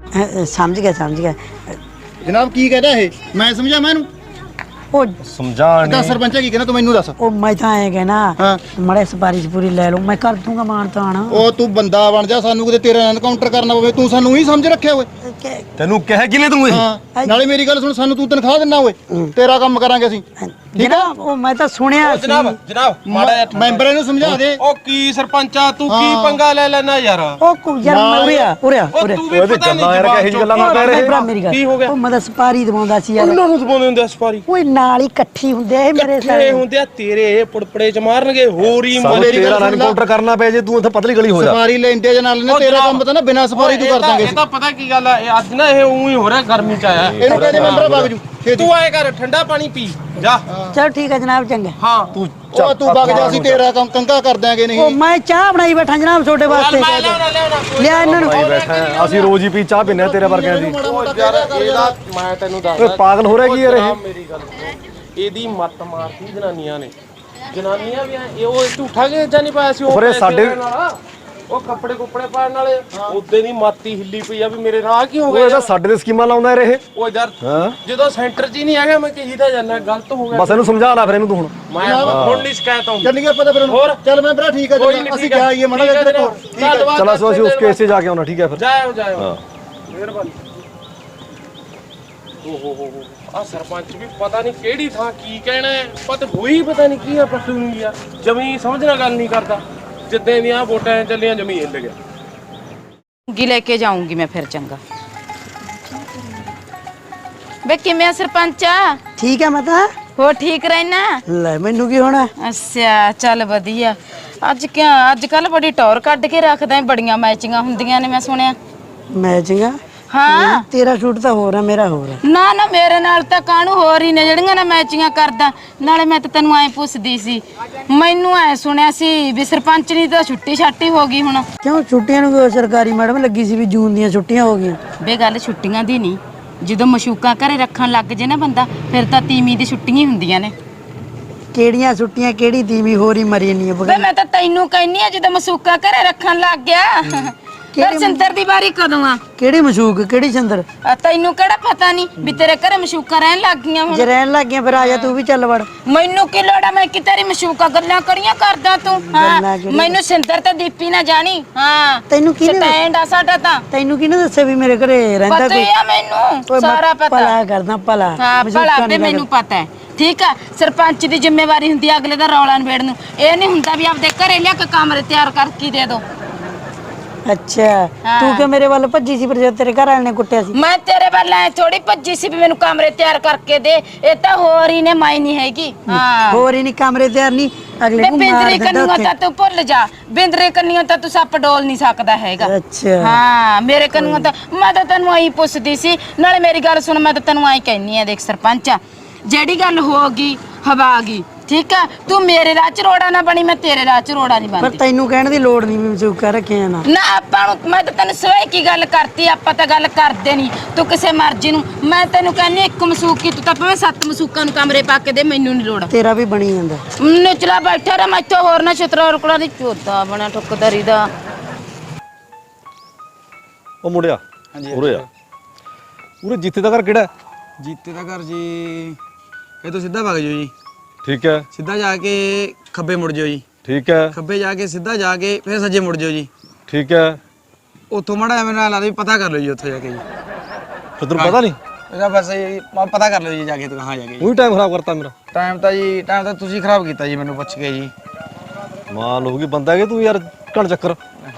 S4: ਸਮਝ ਗਿਆ, ਸਮਝ ਗਿਆ।
S7: ਜਨਾਬ ਕੀ ਕਹਿੰਦਾ ਇਹ? ਮੈਂ ਸਮਝਾ ਮੈਂ ਇਹਨੂੰ?
S4: ਉਹ
S6: ਸਮਝਾਣ
S7: ਦੱਸ ਸਰਪੰਚ ਕੀ ਕਹਿੰਦਾ ਤੂੰ ਮੈਨੂੰ ਦੱਸ।
S4: ਉਹ ਮੈਂ ਤਾਂ ਐ ਕਹਿਣਾ,
S7: ਹਾਂ।
S4: ਮੜੇ ਸਪਾਰੀ ਚ ਪੂਰੀ ਲੈ ਲਓ, ਮੈਂ ਕਰ ਦੂੰਗਾ ਮਾਨ ਤਾਣ।
S7: ਉਹ ਤੂੰ ਬੰਦਾ ਬਣ ਜਾ, ਸਾਨੂੰ ਕਿਤੇ ਤੇਰਾ ਐਨਕਾਊਂਟਰ ਕਰਨਾ ਪਵੇ। ਤੂੰ ਸਾਨੂੰ ਹੀ ਸਮਝ ਰੱਖਿਆ ਓਏ।
S6: ਤੈਨੂੰ ਕਹਿ ਕਿਨੇ ਤੂੰ ਇਹ?
S7: ਹਾਂ ਨਾਲੇ ਮੇਰੀ ਗੱਲ ਸੁਣ, ਸਾਨੂੰ ਤੂੰ ਤਨਖਾਹ ਦਿੰਨਾ ਓਏ, ਤੇਰਾ ਕੰਮ ਕਰਾਂਗੇ ਅਸੀਂ।
S4: ਜਨਾਬ ਉਹ ਮੈਂ ਤਾਂ ਸੁਣਿਆ ਸੀ।
S5: ਜਨਾਬ ਮਾੜਾ ਜਿਹਾ
S7: ਮੈਂਬਰ ਇਹਨੂੰ ਸਮਝਾ ਦੇ।
S5: ਉਹ ਕੀ ਸਰਪੰਚਾ ਤੂੰ ਕੀ ਪੰਗਾ ਲੈ ਲੈਣਾ ਯਾਰ?
S4: ਉਹ ਯਾਰ ਮੈਂ ਉਰਿਆ
S5: ਉਹ ਤੂੰ ਵੀ
S6: ਉਹਦੇ
S5: ਪਤਾ ਨਹੀਂ
S6: ਗੱਲਾਂ ਯਾਰ, ਕਿਹੋ ਜਿਹੀ ਗੱਲਾਂ ਮਾਰਦਾ
S4: ਮੇਰੇ
S6: ਇਹ?
S4: ਭਰਾ ਮੇਰੀ ਗੱਲ।
S5: ਕੀ ਹੋ ਗਿਆ?
S4: ਉਹ ਮੈਂ ਤਾਂ ਸਪਾਰੀ ਦਵਾਉਂਦਾ ਸੀ ਯਾਰ।
S5: ਉਹਨਾਂ ਨੂੰ ਦਬਾਉਂਦੇ ਹੁੰਦੇ ਆ ਸਪਾਰੀ।
S4: ਓਏ ਨਾਲ ਹੀ ਇਕੱਠੀ ਹੁੰਦੇ ਆ ਇਹ ਮੇਰੇ
S5: ਇਕੱਠੇ
S4: ਸਾਰੇ।
S5: ਹੁੰਦੇ ਆ ਤੇਰੇ ਇਹ ਪੁੜਪੜੇ ਚ ਮਾਰਨਗੇ, ਹੋਰ ਹੀ
S6: ਸਾਨੂੰ
S7: ਮੇਰੀ ਗੱਲ
S6: ਤੇਰਾ
S7: ਸੁਣ ਲੈ।
S6: ਐਨਕਾਊਂਟਰ ਕਰਨਾ ਪਏ ਜੇ ਤੂੰ ਇੱਥੇ ਪਤਲੀ ਗਲੀ ਹੋ ਜਾ।
S7: ਸਫਾਰੀ ਲੈਂਦੇ ਜਾਂ ਨਾਲ ਨੇ, ਤੇਰਾ ਕੰਮ ਪਤਾ ਨਾ ਬਿਨਾਂ ਸਫਾਰੀ ਤੂੰ ਕਰ ਦਾਂਗੇ।
S5: ਇਹ ਤਾਂ ਪਤਾ ਕੀ ਗੱਲ ਆ, ਇਹ ਅੱਜ ਨਾ ਇਹ ਉਹੀ ਹੋ ਰਿਹਾ, ਗਰਮੀ ਚ ਆਇਆ।
S7: ਇਹਨੂੰ ਕਹਿੰਦੇ ਮੈਂਬਰ ਵਗ ਜੂ।
S5: ਤੂੰ ਆਏ ਕਰ ਠੰਡਾ ਪਾਣੀ ਪੀ ਜਾ।
S4: ਚਲੋ ਠੀਕ ਹੈ ਜਨਾਬ, ਚੰਗਾ।
S5: ਹਾਂ
S6: ਤੂੰ
S7: ਉਹ ਤੂੰ ਵਗ ਜਾ, ਅਸੀਂ ਤੇਰਾ ਕੰਮ ਕੰਗਾ ਕਰ ਦਿਆਂਗੇ
S4: ਉਹ
S7: ਨਹੀਂ।
S4: ਮੈਂ ਚਾਹ ਬਣਾਈ ਬੈਠਾ ਜਨਾਬ ਤੁਹਾਡੇ ਵਾਸਤੇ।
S5: ਮੈਂ ਲਿਆਉਣਾ
S4: ਲਿਆ ਇਹਨਾਂ ਨੂੰ।
S6: ਭਾਈ ਬੈਠਾ ਹੈ, ਅਸੀਂ ਰੋਜ਼ ਹੀ ਪੀ ਚਾਹ ਪੀਂਦੇ ਹਾਂ ਤੇਰੇ ਵਰਗਿਆਂ ਦੀ।
S5: ਯਾਰ ਇਹਦਾ ਮੈਂ ਤੈਨੂੰ ਦੱਸਦਾ
S6: ਓਏ ਪਾਗਲ ਹੋ ਰਿਹਾ ਕੀ ਯਾਰ ਇਹ?
S5: ਮੇਰੀ ਗੱਲ ਸੁਣ। ਇਹਦੀ ਮੱਤ ਮਾਰਤੀ ਜਨਾਨੀਆਂ ਨੇ। ਜਨਾਨੀਆਂ ਵੀ ਇਹ ਉਹ ਝੂਠਾ ਕਿ ਜਾਂ ਨਹੀਂ ਪਾਇਆ ਸੀ ਉਹ
S6: ਪਰ ਇਹ
S5: ਪੈਸੇ
S6: ਸਾਡੇ-
S5: ਦੇਣ ਵਾਲਾ। ਉਹ ਕੱਪੜੇ ਕੁੱਪੜੇ ਪਾਉਣ ਵਾਲੇ ਉਦੋਂ ਦੀ ਮਾਤੀ ਹਿੱਲੀ ਪਈ ਆ ਵੀ ਮੇਰੇ ਨਾਲ ਕੀ ਹੋ
S6: ਉਹ
S5: ਗਿਆ
S6: ਇਹਦਾ ਸਾਡੇ ਦੇ ਸਕੀਮਾਂ ਲਾਉਂਦਾ ਯਾਰ ਇਹ।
S5: ਉਹ ਯਾਰ
S6: ਹਾਂ
S5: ਜਦੋਂ ਸੈਂਟਰ 'ਚ ਹੀ ਨਹੀਂ ਹੈਗਾ ਮੈਂ ਕਹੀ ਤਾਂ ਜਾਂਦਾ ਗਲਤ ਹੋ ਗਿਆ।
S6: ਬਸ ਇਹਨੂੰ ਸਮਝਾ ਲੈ ਫਿਰ ਇਹਨੂੰ ਤੂੰ ਹੁਣ।
S5: ਮੈਂ ਹੁਣ ਨਹੀਂ ਸ਼ਿਕਾਇਤ ਆਉਂਦੀ।
S7: ਚੱਲ ਗਿਆ ਪਤਾ ਫਿਰ
S5: ਹੋਰ?
S7: ਚੱਲ ਮੈਂ ਭਰਾ ਠੀਕ ਹੈ,
S5: ਕੋਈ ਨਹੀਂ
S7: ਅਸੀਂ ਜਾ ਆਈਏ ਮੜਾ ਜਿਹਾ ਕੋਲ।
S6: ਚਲ ਅਸੀਂ ਉਸ ਕੇਸ 'ਚ ਜਾ ਕੇ ਆਉਣਾ, ਠੀਕ ਹੈ ਫਿਰ।
S5: ਜਾਓ ਮਿਹਰਬਾਨੀ। ਓਹੋ ਆ ਸਰਪੰਚ ਵੀ ਪਤਾ ਨਹੀਂ ਕਿਹੜੀ ਥਾਂ ਕੀ ਕਹਿਣਾ ਹੈ, ਹੋਈ ਪਤਾ ਨਹੀਂ ਕੀ ਆ ਪਰਸੂ ਨੂੰ ਯਾਰ ਜਮੀ ਸਮਝਣਾ ਗੱਲ ਨਹੀਂ ਕਰਦਾ। ਜਿੱਦਾਂ ਦੀਆਂ ਵੋਟਾਂ ਚੱਲੀਆਂ ਜਮੀ ਹਿੱਲ ਗਿਆ।
S1: ਗੀ ਲੈ ਕੇ ਜਾਊਂਗੀ ਮੈਂ ਫਿਰ, ਚੰਗਾ। ਬੇ ਕਿਵੇਂ ਆ ਸਰਪੰਚਾ?
S4: ਠੀਕ ਹੈ ਮਾਤਾ।
S1: ਹੋ ਠੀਕ ਰਹਿਣਾ?
S4: ਲੈ ਮੈਨੂੰ ਕੀ ਹੋਣਾ?
S1: ਅੱਛਾ ਚੱਲ ਵਧੀਆ। ਅੱਜ ਕੱਲ ਬੜੀ ਟੌਰ ਕੱਢ ਕੇ ਰੱਖਦਾ, ਬੜੀਆਂ ਮੈਚਿੰਗਾਂ ਹੁੰਦੀਆਂ ਨੇ ਮੈਂ ਸੁਣਿਆ।
S4: ਮੈਚਿੰਗਾ?
S1: ਹਾਂ
S4: ਤੇਰਾ ਸ਼ੂਟ ਤਾਂ ਹੋਰ ਹੈ, ਮੇਰਾ ਹੋਰ ਹੈ।
S1: ਨਾ ਨਾ ਮੇਰੇ ਨਾਲ ਤਾਂ ਕਾਹਨੂੰ ਹੋਰ ਹੀ ਨੇ ਜਿਹੜੀਆਂ ਨਾ ਮੈਚਿੰਗਾਂ ਕਰਦਾ। ਨਾਲੇ ਮੈਂ ਤਾਂ ਤੈਨੂੰ ਐ ਪੁੱਛਦੀ ਸੀ, ਮੈਨੂੰ ਐ ਸੁਣਿਆ ਸੀ ਵੀ ਸਰਪੰਚ ਦੀ ਤਾਂ ਛੁੱਟੀ ਛਾਟੀ ਹੋ ਗਈ ਹੁਣ।
S4: ਕਿਉਂ ਛੁੱਟੀਆਂ ਨੂੰ ਕੋਈ ਸਰਕਾਰੀ ਮੈਡਮ ਲੱਗੀ ਸੀ ਵੀ ਜੂਨ ਦੀਆਂ ਛੁੱਟੀਆਂ ਹੋ ਗਈਆਂ?
S1: ਬੇ ਗੱਲ ਛੁੱਟੀਆਂ ਦੀ ਨਹੀਂ, ਜਦੋਂ ਮਸ਼ੂਕਾਂ ਘਰੇ ਰੱਖਣ ਲੱਗ ਜੇ ਨਾ ਬੰਦਾ, ਫਿਰ ਤਾਂ ਤੀਵੀਂ ਦੀ ਛੁੱਟੀਆਂ ਹੀ ਹੁੰਦੀਆਂ ਨੇ।
S4: ਕਿਹੜੀਆਂ ਛੁੱਟੀਆਂ, ਕਿਹੜੀ ਤੀਵੀਂ ਹੋਰੀ ਮਰੀ ਨਹੀਂ
S1: ਬੇ ਮੈਂ ਤਾਂ ਤੈਨੂੰ ਕਹਿੰਨੀ ਆ, ਜਦੋਂ ਮਸ਼ੂਕਾਂ ਘਰੇ ਰੱਖਣ ਲੱਗ ਗਿਆ। ਫਿਰ ਸਿੰਦਰ ਦੀ ਵਾਰੀ ਕਦੋਂ ਆ?
S4: ਕਿਹੜੀ ਮਸ਼ੂਕ, ਕਿਹੜੀ ਚੰਦਰ?
S1: ਤੈਨੂੰ ਕਿਹੜਾ ਪਤਾ ਨਹੀਂ ਵੀ ਤੇਰੇ ਘਰੇ ਮਸ਼ੂਕਾਂ ਰਹਿਣ ਲੱਗ ਗਈਆਂ ਹੁਣ?
S4: ਜੇ ਰਹਿਣ ਲੱਗ ਗਿਆ ਫਿਰ ਆ ਜਾ ਤੂੰ ਵੀ ਚੱਲ ਵੜ।
S1: ਮੈਨੂੰ ਕੀ ਲੋੜ ਆ, ਮੈਂ ਕਿ ਤੇਰੀ ਮਸ਼ੂਕਾਂ ਗੱਲਾਂ ਕਰੀਆਂ ਕਰਦਾ ਤੂੰ? ਹਾਂ ਮੈਨੂੰ ਸਿੰਦਰ ਤੇ ਦੀਪੀ ਨਾ ਜਾਣੀ। ਹਾਂ
S4: ਤੈਨੂੰ ਕਿਹਨੇ
S1: ਸਟੈਂਡ ਆ ਸਾਡਾ ਤਾਂ।
S4: ਤੈਨੂੰ ਕਿਹਨੇ ਦੱਸਿਆ ਵੀ ਮੇਰੇ ਘਰੇ ਰਹਿੰਦਾ
S1: ਪਤਾ ਹੀ ਆ ਮੈਨੂੰ, ਸਾਰਾ ਪਤਾ।
S4: ਭਲਾ ਕਰਦਾ ਭਲਾ।
S1: ਹਾਂ ਭਲਾ ਤੇ ਮੈਨੂੰ ਪਤਾ ਹੈ। ਠੀਕ ਆ, ਸਰਪੰਚ ਦੀ ਜ਼ਿੰਮੇਵਾਰੀ ਹੁੰਦੀ ਆ ਅਗਲੇ ਦਾ ਰੌਲਾ ਨਿਬੇੜਨ ਨੂੰ। ਇਹ ਨਹੀਂ ਹੁੰਦਾ ਵੀ ਆਪਦੇ ਘਰੇ ਲਿਆ ਕੇ ਕਮਰੇ ਤਿਆਰ ਕਰਕੇ ਦੇ ਦੋ।
S4: ਅੱਛਾ ਤੂੰ ਕਿ ਮੇਰੇ ਵੱਲ ਭੱਜੀ ਸੀ, ਪਰ ਜਦ ਤੇਰੇ ਘਰ ਵਾਲੇ ਨੇ ਕੁੱਟਿਆ ਸੀ?
S1: ਮੈਂ ਤੇਰੇ ਵੱਲ ਐ ਥੋੜੀ ਭੱਜੀ ਸੀ ਵੀ ਮੈਨੂੰ ਕਮਰੇ ਤਿਆਰ ਕਰਕੇ ਦੇ। ਇਹ ਤਾਂ ਹੋਰ ਹੀ ਨੇ, ਮਾਈ ਨਹੀਂ ਹੈਗੀ। ਹਾਂ
S4: ਹੋਰ ਹੀ ਨਹੀਂ ਕਮਰੇ ਤਿਆਰ ਨਹੀਂ, ਅਗਲੇ ਨੂੰ ਮਾਰ
S1: ਬਿੰਦਰੇ
S4: ਦਿੰਦਾ
S1: ਕੰਨੀਆਂ
S4: ਉੱਥੇ।
S1: ਤਾਂ ਤੂੰ ਭੁੱਲ ਜਾ, ਬਿੰਦਰੇ ਕੰਨੀਆਂ ਤਾਂ ਤੂੰ ਸੱਪ ਡੋਲ ਨਹੀਂ ਸਕਦਾ ਹੈਗਾ।
S4: ਅੱਛਾ
S1: ਹਾਂ ਮੇਰੇ ਕੰਨੀਆਂ ਤਾਂ ਮੈਂ ਤਾਂ ਤੈਨੂੰ ਆਈ ਪੁੱਛਦੀ ਸੀ। ਨਾਲੇ ਮੇਰੀ ਗੱਲ ਸੁਣ, ਮੈਂ ਤਾਂ ਤੈਨੂੰ ਆਈ ਕਹਿਨੀ ਆ, ਦੇਖ ਸਰਪੰਚ ਜਿਹੜੀ ਗੱਲ ਹੋ ਗਈ ਹਵਾ ਗਈ, ਠੀਕ ਆ? ਤੂੰ ਮੇਰੇ ਰਾਹ ਚ ਰੋੜਾ ਨਾ ਬਣੀ, ਮੈਂ ਤੇਰੇ ਰਾਹ ਚ ਰੋੜਾ ਨਹੀਂ
S4: ਪਰ
S1: ਬਣਦੀ।
S4: ਤੈਨੂੰ ਕਹਿਣ ਦੀ ਲੋੜ ਨਹੀਂ ਵੀ ਮਸੂਕਾ ਰੱਖਿਆ ਨਾ।
S1: ਨਾ ਆਪਾਂ ਨੂੰ, ਮੈਂ ਤਾਂ ਤੈਨੂੰ ਸਵੇਈ ਕੀ ਗੱਲ ਕਰਤੀ, ਆਪਾਂ ਤਾਂ ਗੱਲ ਕਰਦੇ ਨਹੀਂ। ਤੂੰ ਕਿਸੇ ਮਰਜ਼ੀ ਨੂੰ, ਮੈਂ ਤੈਨੂੰ ਕਹਿੰਨੀ ਇੱਕ ਮਸੂਕੀ, ਤੂੰ ਤਾਂ ਭਾਵੇਂ 7 ਮਸੂਕਾਂ ਨੂੰ ਕਮਰੇ ਪਾ ਕੇ ਦੇ, ਮੈਨੂੰ ਨਹੀਂ ਲੋੜ।
S4: ਤੇਰਾ ਵੀ ਬਣੀ ਜਾਂਦਾ।
S1: ਨਿਚਲਾ ਬੈਠਾ ਰਹਿ, ਮੈਥੋਂ ਹੋਰ ਨਾ ਛਤਰਾ ਰੁਕੜਾ ਦੀ ਚੋਦਾ ਬਣਾ ਠੁੱਕਦਾਰੀ ਦਾ।
S6: ਉਹ ਮੁੰਡਿਆ ਉਰੇ ਆ। ਉਰੇ ਜੀਤੇ ਦਾ ਘਰ ਕਿਹੜਾ ਹੈ?
S8: ਜੀਤੇ ਦਾ ਘਰ ਜੀ ਇਹ ਤੋਂ ਸਿੱਧਾ ਵਗ ਜਾਓ ਜੀ।
S6: ਠੀਕ ਹੈ
S8: ਸਿੱਧਾ ਜਾ ਕੇ ਖੱਬੇ ਮੁੜ ਜਾਓ ਜੀ।
S6: ਠੀਕ ਹੈ
S8: ਖੱਬੇ ਜਾ ਕੇ ਸਿੱਧਾ ਜਾ ਕੇ ਫਿਰ ਸੱਜੇ ਮੁੜ ਜਾਓ ਜੀ।
S6: ਠੀਕ ਹੈ।
S8: ਉੱਥੋਂ ਮੜਾ ਐਵੇਂ ਨਾਲ ਵੀ ਪਤਾ ਕਰ ਲਓ ਜੀ ਉੱਥੇ ਜਾ ਕੇ ਜੀ।
S6: ਫਿਰ ਤੈਨੂੰ ਪਤਾ ਨਹੀਂ?
S8: ਇਹਦਾ ਬਸ ਜੀ ਪਤਾ ਕਰ ਲਓ ਜੀ ਜਾ ਕੇ ਤੂੰ ਕਹਾਂ ਜਾ ਕੇ।
S6: ਉਹੀ ਟਾਈਮ ਖਰਾਬ ਕਰਤਾ ਮੇਰਾ।
S8: ਟਾਈਮ ਤਾਂ ਤੁਸੀਂ ਖਰਾਬ ਕੀਤਾ ਜੀ, ਮੈਨੂੰ ਪੁੱਛ ਕੇ ਜੀ।
S6: ਮਾਲ ਹੋ ਗਈ ਬੰਦਾ ਕਿ ਤੂੰ ਯਾਰ ਘਣ ਚੱਕਰ।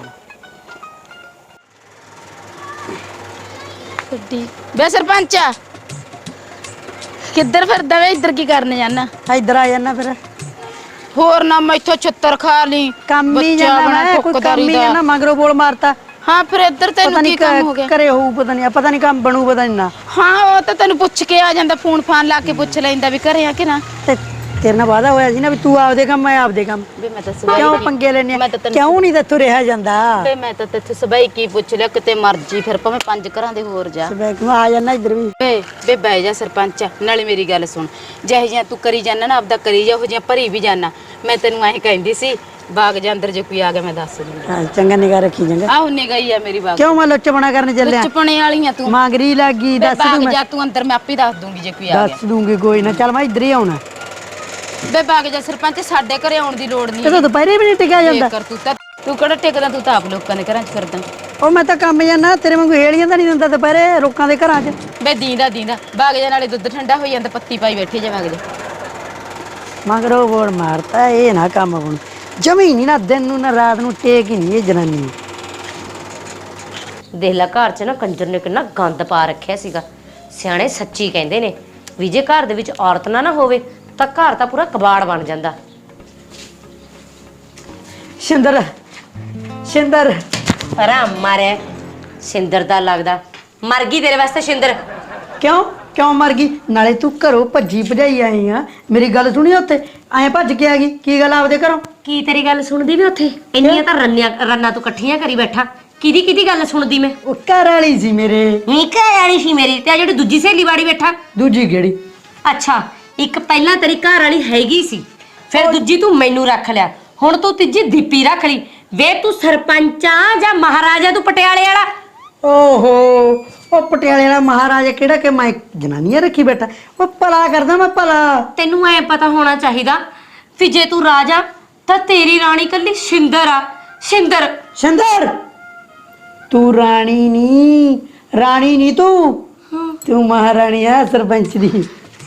S1: ਬੇ ਸਰਪੰਚ ਕਿੱਧਰ ਫਿਰਦਾ ਵੇ? ਇੱਧਰ ਕੀ ਕਰਨ ਜਾਣਾ?
S4: ਇੱਧਰ ਆ ਜਾਣਾ ਫਿਰ।
S1: ਹੋਰ ਨਾ ਮੈਥੋਂ ਛੱਤਰ ਖਾ ਲਈ।
S4: ਕੰਮ ਹੀ ਜਾਣਾ ਮੈਂ, ਕੋਈ ਕੰਮ ਹੀ ਜਾਣਾ, ਮਗਰੋਂ ਬੋਲ ਮਾਰਤਾ।
S1: ਹਾਂ ਫਿਰ ਇੱਧਰ
S4: ਪਤਾ
S1: ਤੈਨੂੰ ਕੀ
S4: ਨਹੀਂ
S1: ਕੰਮ ਹੋ ਗਿਆ?
S4: ਕਰੇ ਹੋਊ, ਪਤਾ ਨਹੀਂ ਕੰਮ ਬਣੂ, ਪਤਾ ਨਹੀਂ ਨਾ।
S1: ਹਾਂ ਉਹ ਤਾਂ ਤੈਨੂੰ ਪੁੱਛ ਕੇ ਆ ਜਾਂਦਾ, ਫੋਨ ਫਾਨ ਲਾ ਕੇ ਪੁੱਛ ਲੈਂਦਾ ਵੀ ਘਰੇ ਆ ਕਿ ਨਾ।
S4: ਤੇ ਤੇਰੇ ਨਾਲ ਵਾਦਾ ਹੋਇਆ ਸੀ ਨਾ ਵੀ ਤੂੰ ਆਪਦੇ ਕੰਮ, ਮੈਂ ਆਪਦੇ ਕੰਮ।
S1: ਵੇ ਮੈਂ ਤਾਂ
S4: ਕਿਉਂ ਪੰਗੇ ਲੈਣੇ? ਕਿਉਂ ਨਹੀਂ ਤੈਥੋਂ ਰਿਹਾ ਜਾਂਦਾ?
S1: ਵੇ ਮੈਂ ਤਾਂ ਤੇਥੇ ਸਬਾਈ ਕੀ ਪੁੱਛ ਲਿਆ, ਕਿਤੇ ਮਰਜੀ ਫਿਰ ਭਾਵੇਂ 5 ਘਰਾਂ ਦੇ ਹੋਰ ਜਾ।
S4: ਸਵੇਕ ਨੂੰ ਆ ਜਾਣਾ ਇੱਧਰ ਵੀ।
S1: ਵੇ ਬਹਿ ਜਾ ਸਰਪੰਚ, ਨਾਲੇ ਮੇਰੀ ਗੱਲ ਸੁਣ। ਜਿਹੇ ਜਿਹਾ ਤੂੰ ਕਰੀ ਜਾਣਾ ਨਾ ਆਪਦਾ ਕਰੀ ਜਾ, ਉਹ ਜਿਹਾ ਭਰੀ ਵੀ ਜਾਣਾ। ਮੈਂ ਤੈਨੂੰ ਐਂ ਕਹਿੰਦੀ ਸੀ ਬਾਗ ਜਾਂ ਅੰਦਰ ਜੇ ਕੋਈ ਆ ਗਿਆ ਮੈਂ ਦੱਸ ਦੂੰਗੀ।
S4: ਹਾਂ ਚੰਗਾ ਨਿਗਾਹ ਰੱਖੀ ਚੰਗਾ।
S1: ਆਹ ਨਿਗਾਈ ਆ ਮੇਰੀ ਬਾਗ।
S4: ਕਿਉਂ ਮੈਂ ਲੁੱਚਪਣਾ ਕਰਨ ਚੱਲਿਆ?
S1: ਚੁਪਣੇ ਵਾਲੀਆਂ ਤੂੰ
S4: ਮਾਂਗਰੀ ਲੱਗੀ, ਦੱਸ
S1: ਬਾਗ
S4: ਦੂੰ ਮੈਂ।
S1: ਜਾ ਤੂੰ ਅੰਦਰ, ਮੈਂ ਆਪੇ ਦੱਸ ਦੂੰਗੀ ਜੇ ਕੋਈ ਆ ਗਿਆ।
S4: ਦੱਸ ਦੂੰਗੀ ਕੋਈ ਨਾ, ਚੱਲ ਮੈਂ ਇੱਧਰ ਹੀ ਆਉਣਾ।
S1: ਬੇ ਬਾਗ ਜਾ ਸਰਪੰਚ, ਸਾਡੇ ਘਰੇ ਆਉਣ ਦੀ ਲੋੜ ਨਹੀਂ।
S4: ਇਹ ਤਾਂ ਦੁਪਹਿਰੇ ਵੀ ਨਹੀਂ ਟਿਕਿਆ ਜਾਂਦਾ।
S1: ਕਰ ਤੂੰ ਕਿਹੜਾ ਟਿਕਦਾ, ਤੂੰ ਤਾਂ ਆਪ ਲੋਕਾਂ ਦੇ ਘਰਾਂ 'ਚ ਫਿਰਦਾ।
S4: ਉਹ ਮੈਂ ਤਾਂ ਕੰਮ ਜਾਣਾ, ਤੇਰੇ ਵਾਂਗੂ ਹੇਲੀਆਂ ਤਾਂ ਨਹੀਂ ਦਿੰਦਾ ਦੁਪਹਿਰੇ ਲੋਕਾਂ ਦੇ ਘਰਾਂ 'ਚ।
S1: ਬੇ ਦੀਂਦਾ ਬਾਗ ਜਾ, ਨਾਲੇ ਦੁੱਧ ਠੰਡਾ ਹੋਈ ਜਾਂਦਾ, ਪੱਤੀ ਪਾਈ ਬੈਠੀ ਜਾ ਬਾਗ ਜਾ।
S4: ਮਗਰੋਂ ਬੋੜ ਮਾਰਤਾ, ਇਹ ਨਾ ਕੰਮ ਬਣ ਜਮੀ ਨਹੀਂ ਨਾ, ਦਿਨ ਨੂੰ ਨਾ ਰਾਤ ਨੂੰ ਟੇਕ ਹੀ ਨਹੀਂ ਇਹ ਜਨਾਨੀ।
S2: ਦੇਖ ਲੈ ਘਰ 'ਚ ਨਾ ਕੰਜਰ ਨੇ ਕਿੰਨਾ ਗੰਦ ਪਾ ਰੱਖਿਆ ਸੀਗਾ। ਸਿਆਣੇ ਸੱਚੀ ਕਹਿੰਦੇ ਨੇ ਵੀ ਜੇ ਘਰ ਦੇ ਵਿੱਚ ਔਰਤ ਨਾ ਹੋਵੇ ਤਾਂ ਘਰ ਤਾਂ ਪੂਰਾ ਕਬਾੜ ਬਣ ਜਾਂਦਾ।
S4: ਸ਼ਿੰਦਰ
S2: ਆਰਾਮ ਮਾਰਿਆ ਸਿੰਦਰ ਦਾ ਲੱਗਦਾ ਮਰ ਗਈ ਤੇਰੇ ਵਾਸਤੇ। ਸਿੰਦਰ
S4: ਕਿਉਂ ਕਿਉਂ ਮਰ ਗਈ? ਨਾਲੇ ਤੂੰ ਘਰੋਂ ਭੱਜੀ ਭਜਾਈ ਆਈ ਆ, ਮੇਰੀ ਗੱਲ ਸੁਣੀ ਉੱਥੇ ਐਂ ਭੱਜ ਕੇ ਆ ਗਈ, ਕੀ ਗੱਲ ਆਪਦੇ ਘਰੋਂ?
S2: ਕੀ ਤੇਰੀ ਗੱਲ ਸੁਣਦੀ ਵੀ ਉੱਥੇ? ਇੰਨੀਆਂ ਤਾਂ ਰੰਨਾਂ ਤੂੰ ਇਕੱਠੀਆਂ ਕਰੀ ਬੈਠਾ। ਕਿਹਦੀ ਗੱਲ ਸੁਣਦੀ ਮੈਂ?
S4: ਉਹ ਘਰ ਵਾਲੀ ਸੀ ਮੇਰੇ।
S2: ਨੀ ਘਰ ਵਾਲੀ ਸੀ ਮੇਰੀ, ਤੇ ਆ ਜਿਹੜੀ ਦੂਜੀ ਸਹੇਲੀ ਵਾੜੀ ਬੈਠਾ।
S4: ਦੂਜੀ ਕਿਹੜੀ?
S2: ਅੱਛਾ, ਇੱਕ ਪਹਿਲਾਂ ਤੇਰੀ ਘਰ ਵਾਲੀ ਹੈਗੀ ਸੀ, ਫਿਰ ਦੂਜੀ ਤੂੰ ਮੈਨੂੰ ਰੱਖ ਲਿਆ, ਹੁਣ ਤੂੰ ਤੀਜੀ ਦੀਪੀ ਰੱਖ ਲਈ। ਵੇ ਤੂੰ ਸਰਪੰਚ ਆ ਜਾਂ ਮਹਾਰਾਜਾ ਤੂੰ ਪਟਿਆਲੇ ਵਾਲਾ?
S4: ਓਹੋ, ਉਹ ਪਟਿਆਲੇ ਵਾਲਾ ਮਹਾਰਾਜਾ ਕਿਹੜਾ ਕਿ ਮੈਂ ਜਨਾਨੀਆਂ ਰੱਖੀ ਬੈਠਾ? ਉਹ ਭਲਾ ਕਰਦਾ ਮੈਂ ਭਲਾ।
S2: ਤੈਨੂੰ ਐ ਪਤਾ ਹੋਣਾ ਚਾਹੀਦਾ ਵੀ ਜੇ ਤੂੰ ਰਾਜਾ ਤਾਂ ਤੇਰੀ ਰਾਣੀ ਕੱਲੀ ਸ਼ਿੰਦਰ ਆ। ਸ਼ਿੰਦਰ
S4: ਸ਼ਿੰਦਰ, ਤੂੰ ਰਾਣੀ ਨਹੀਂ ਤੂੰ ਮਹਾਰਾਣੀ ਆ ਸਰਪੰਚ ਦੀ।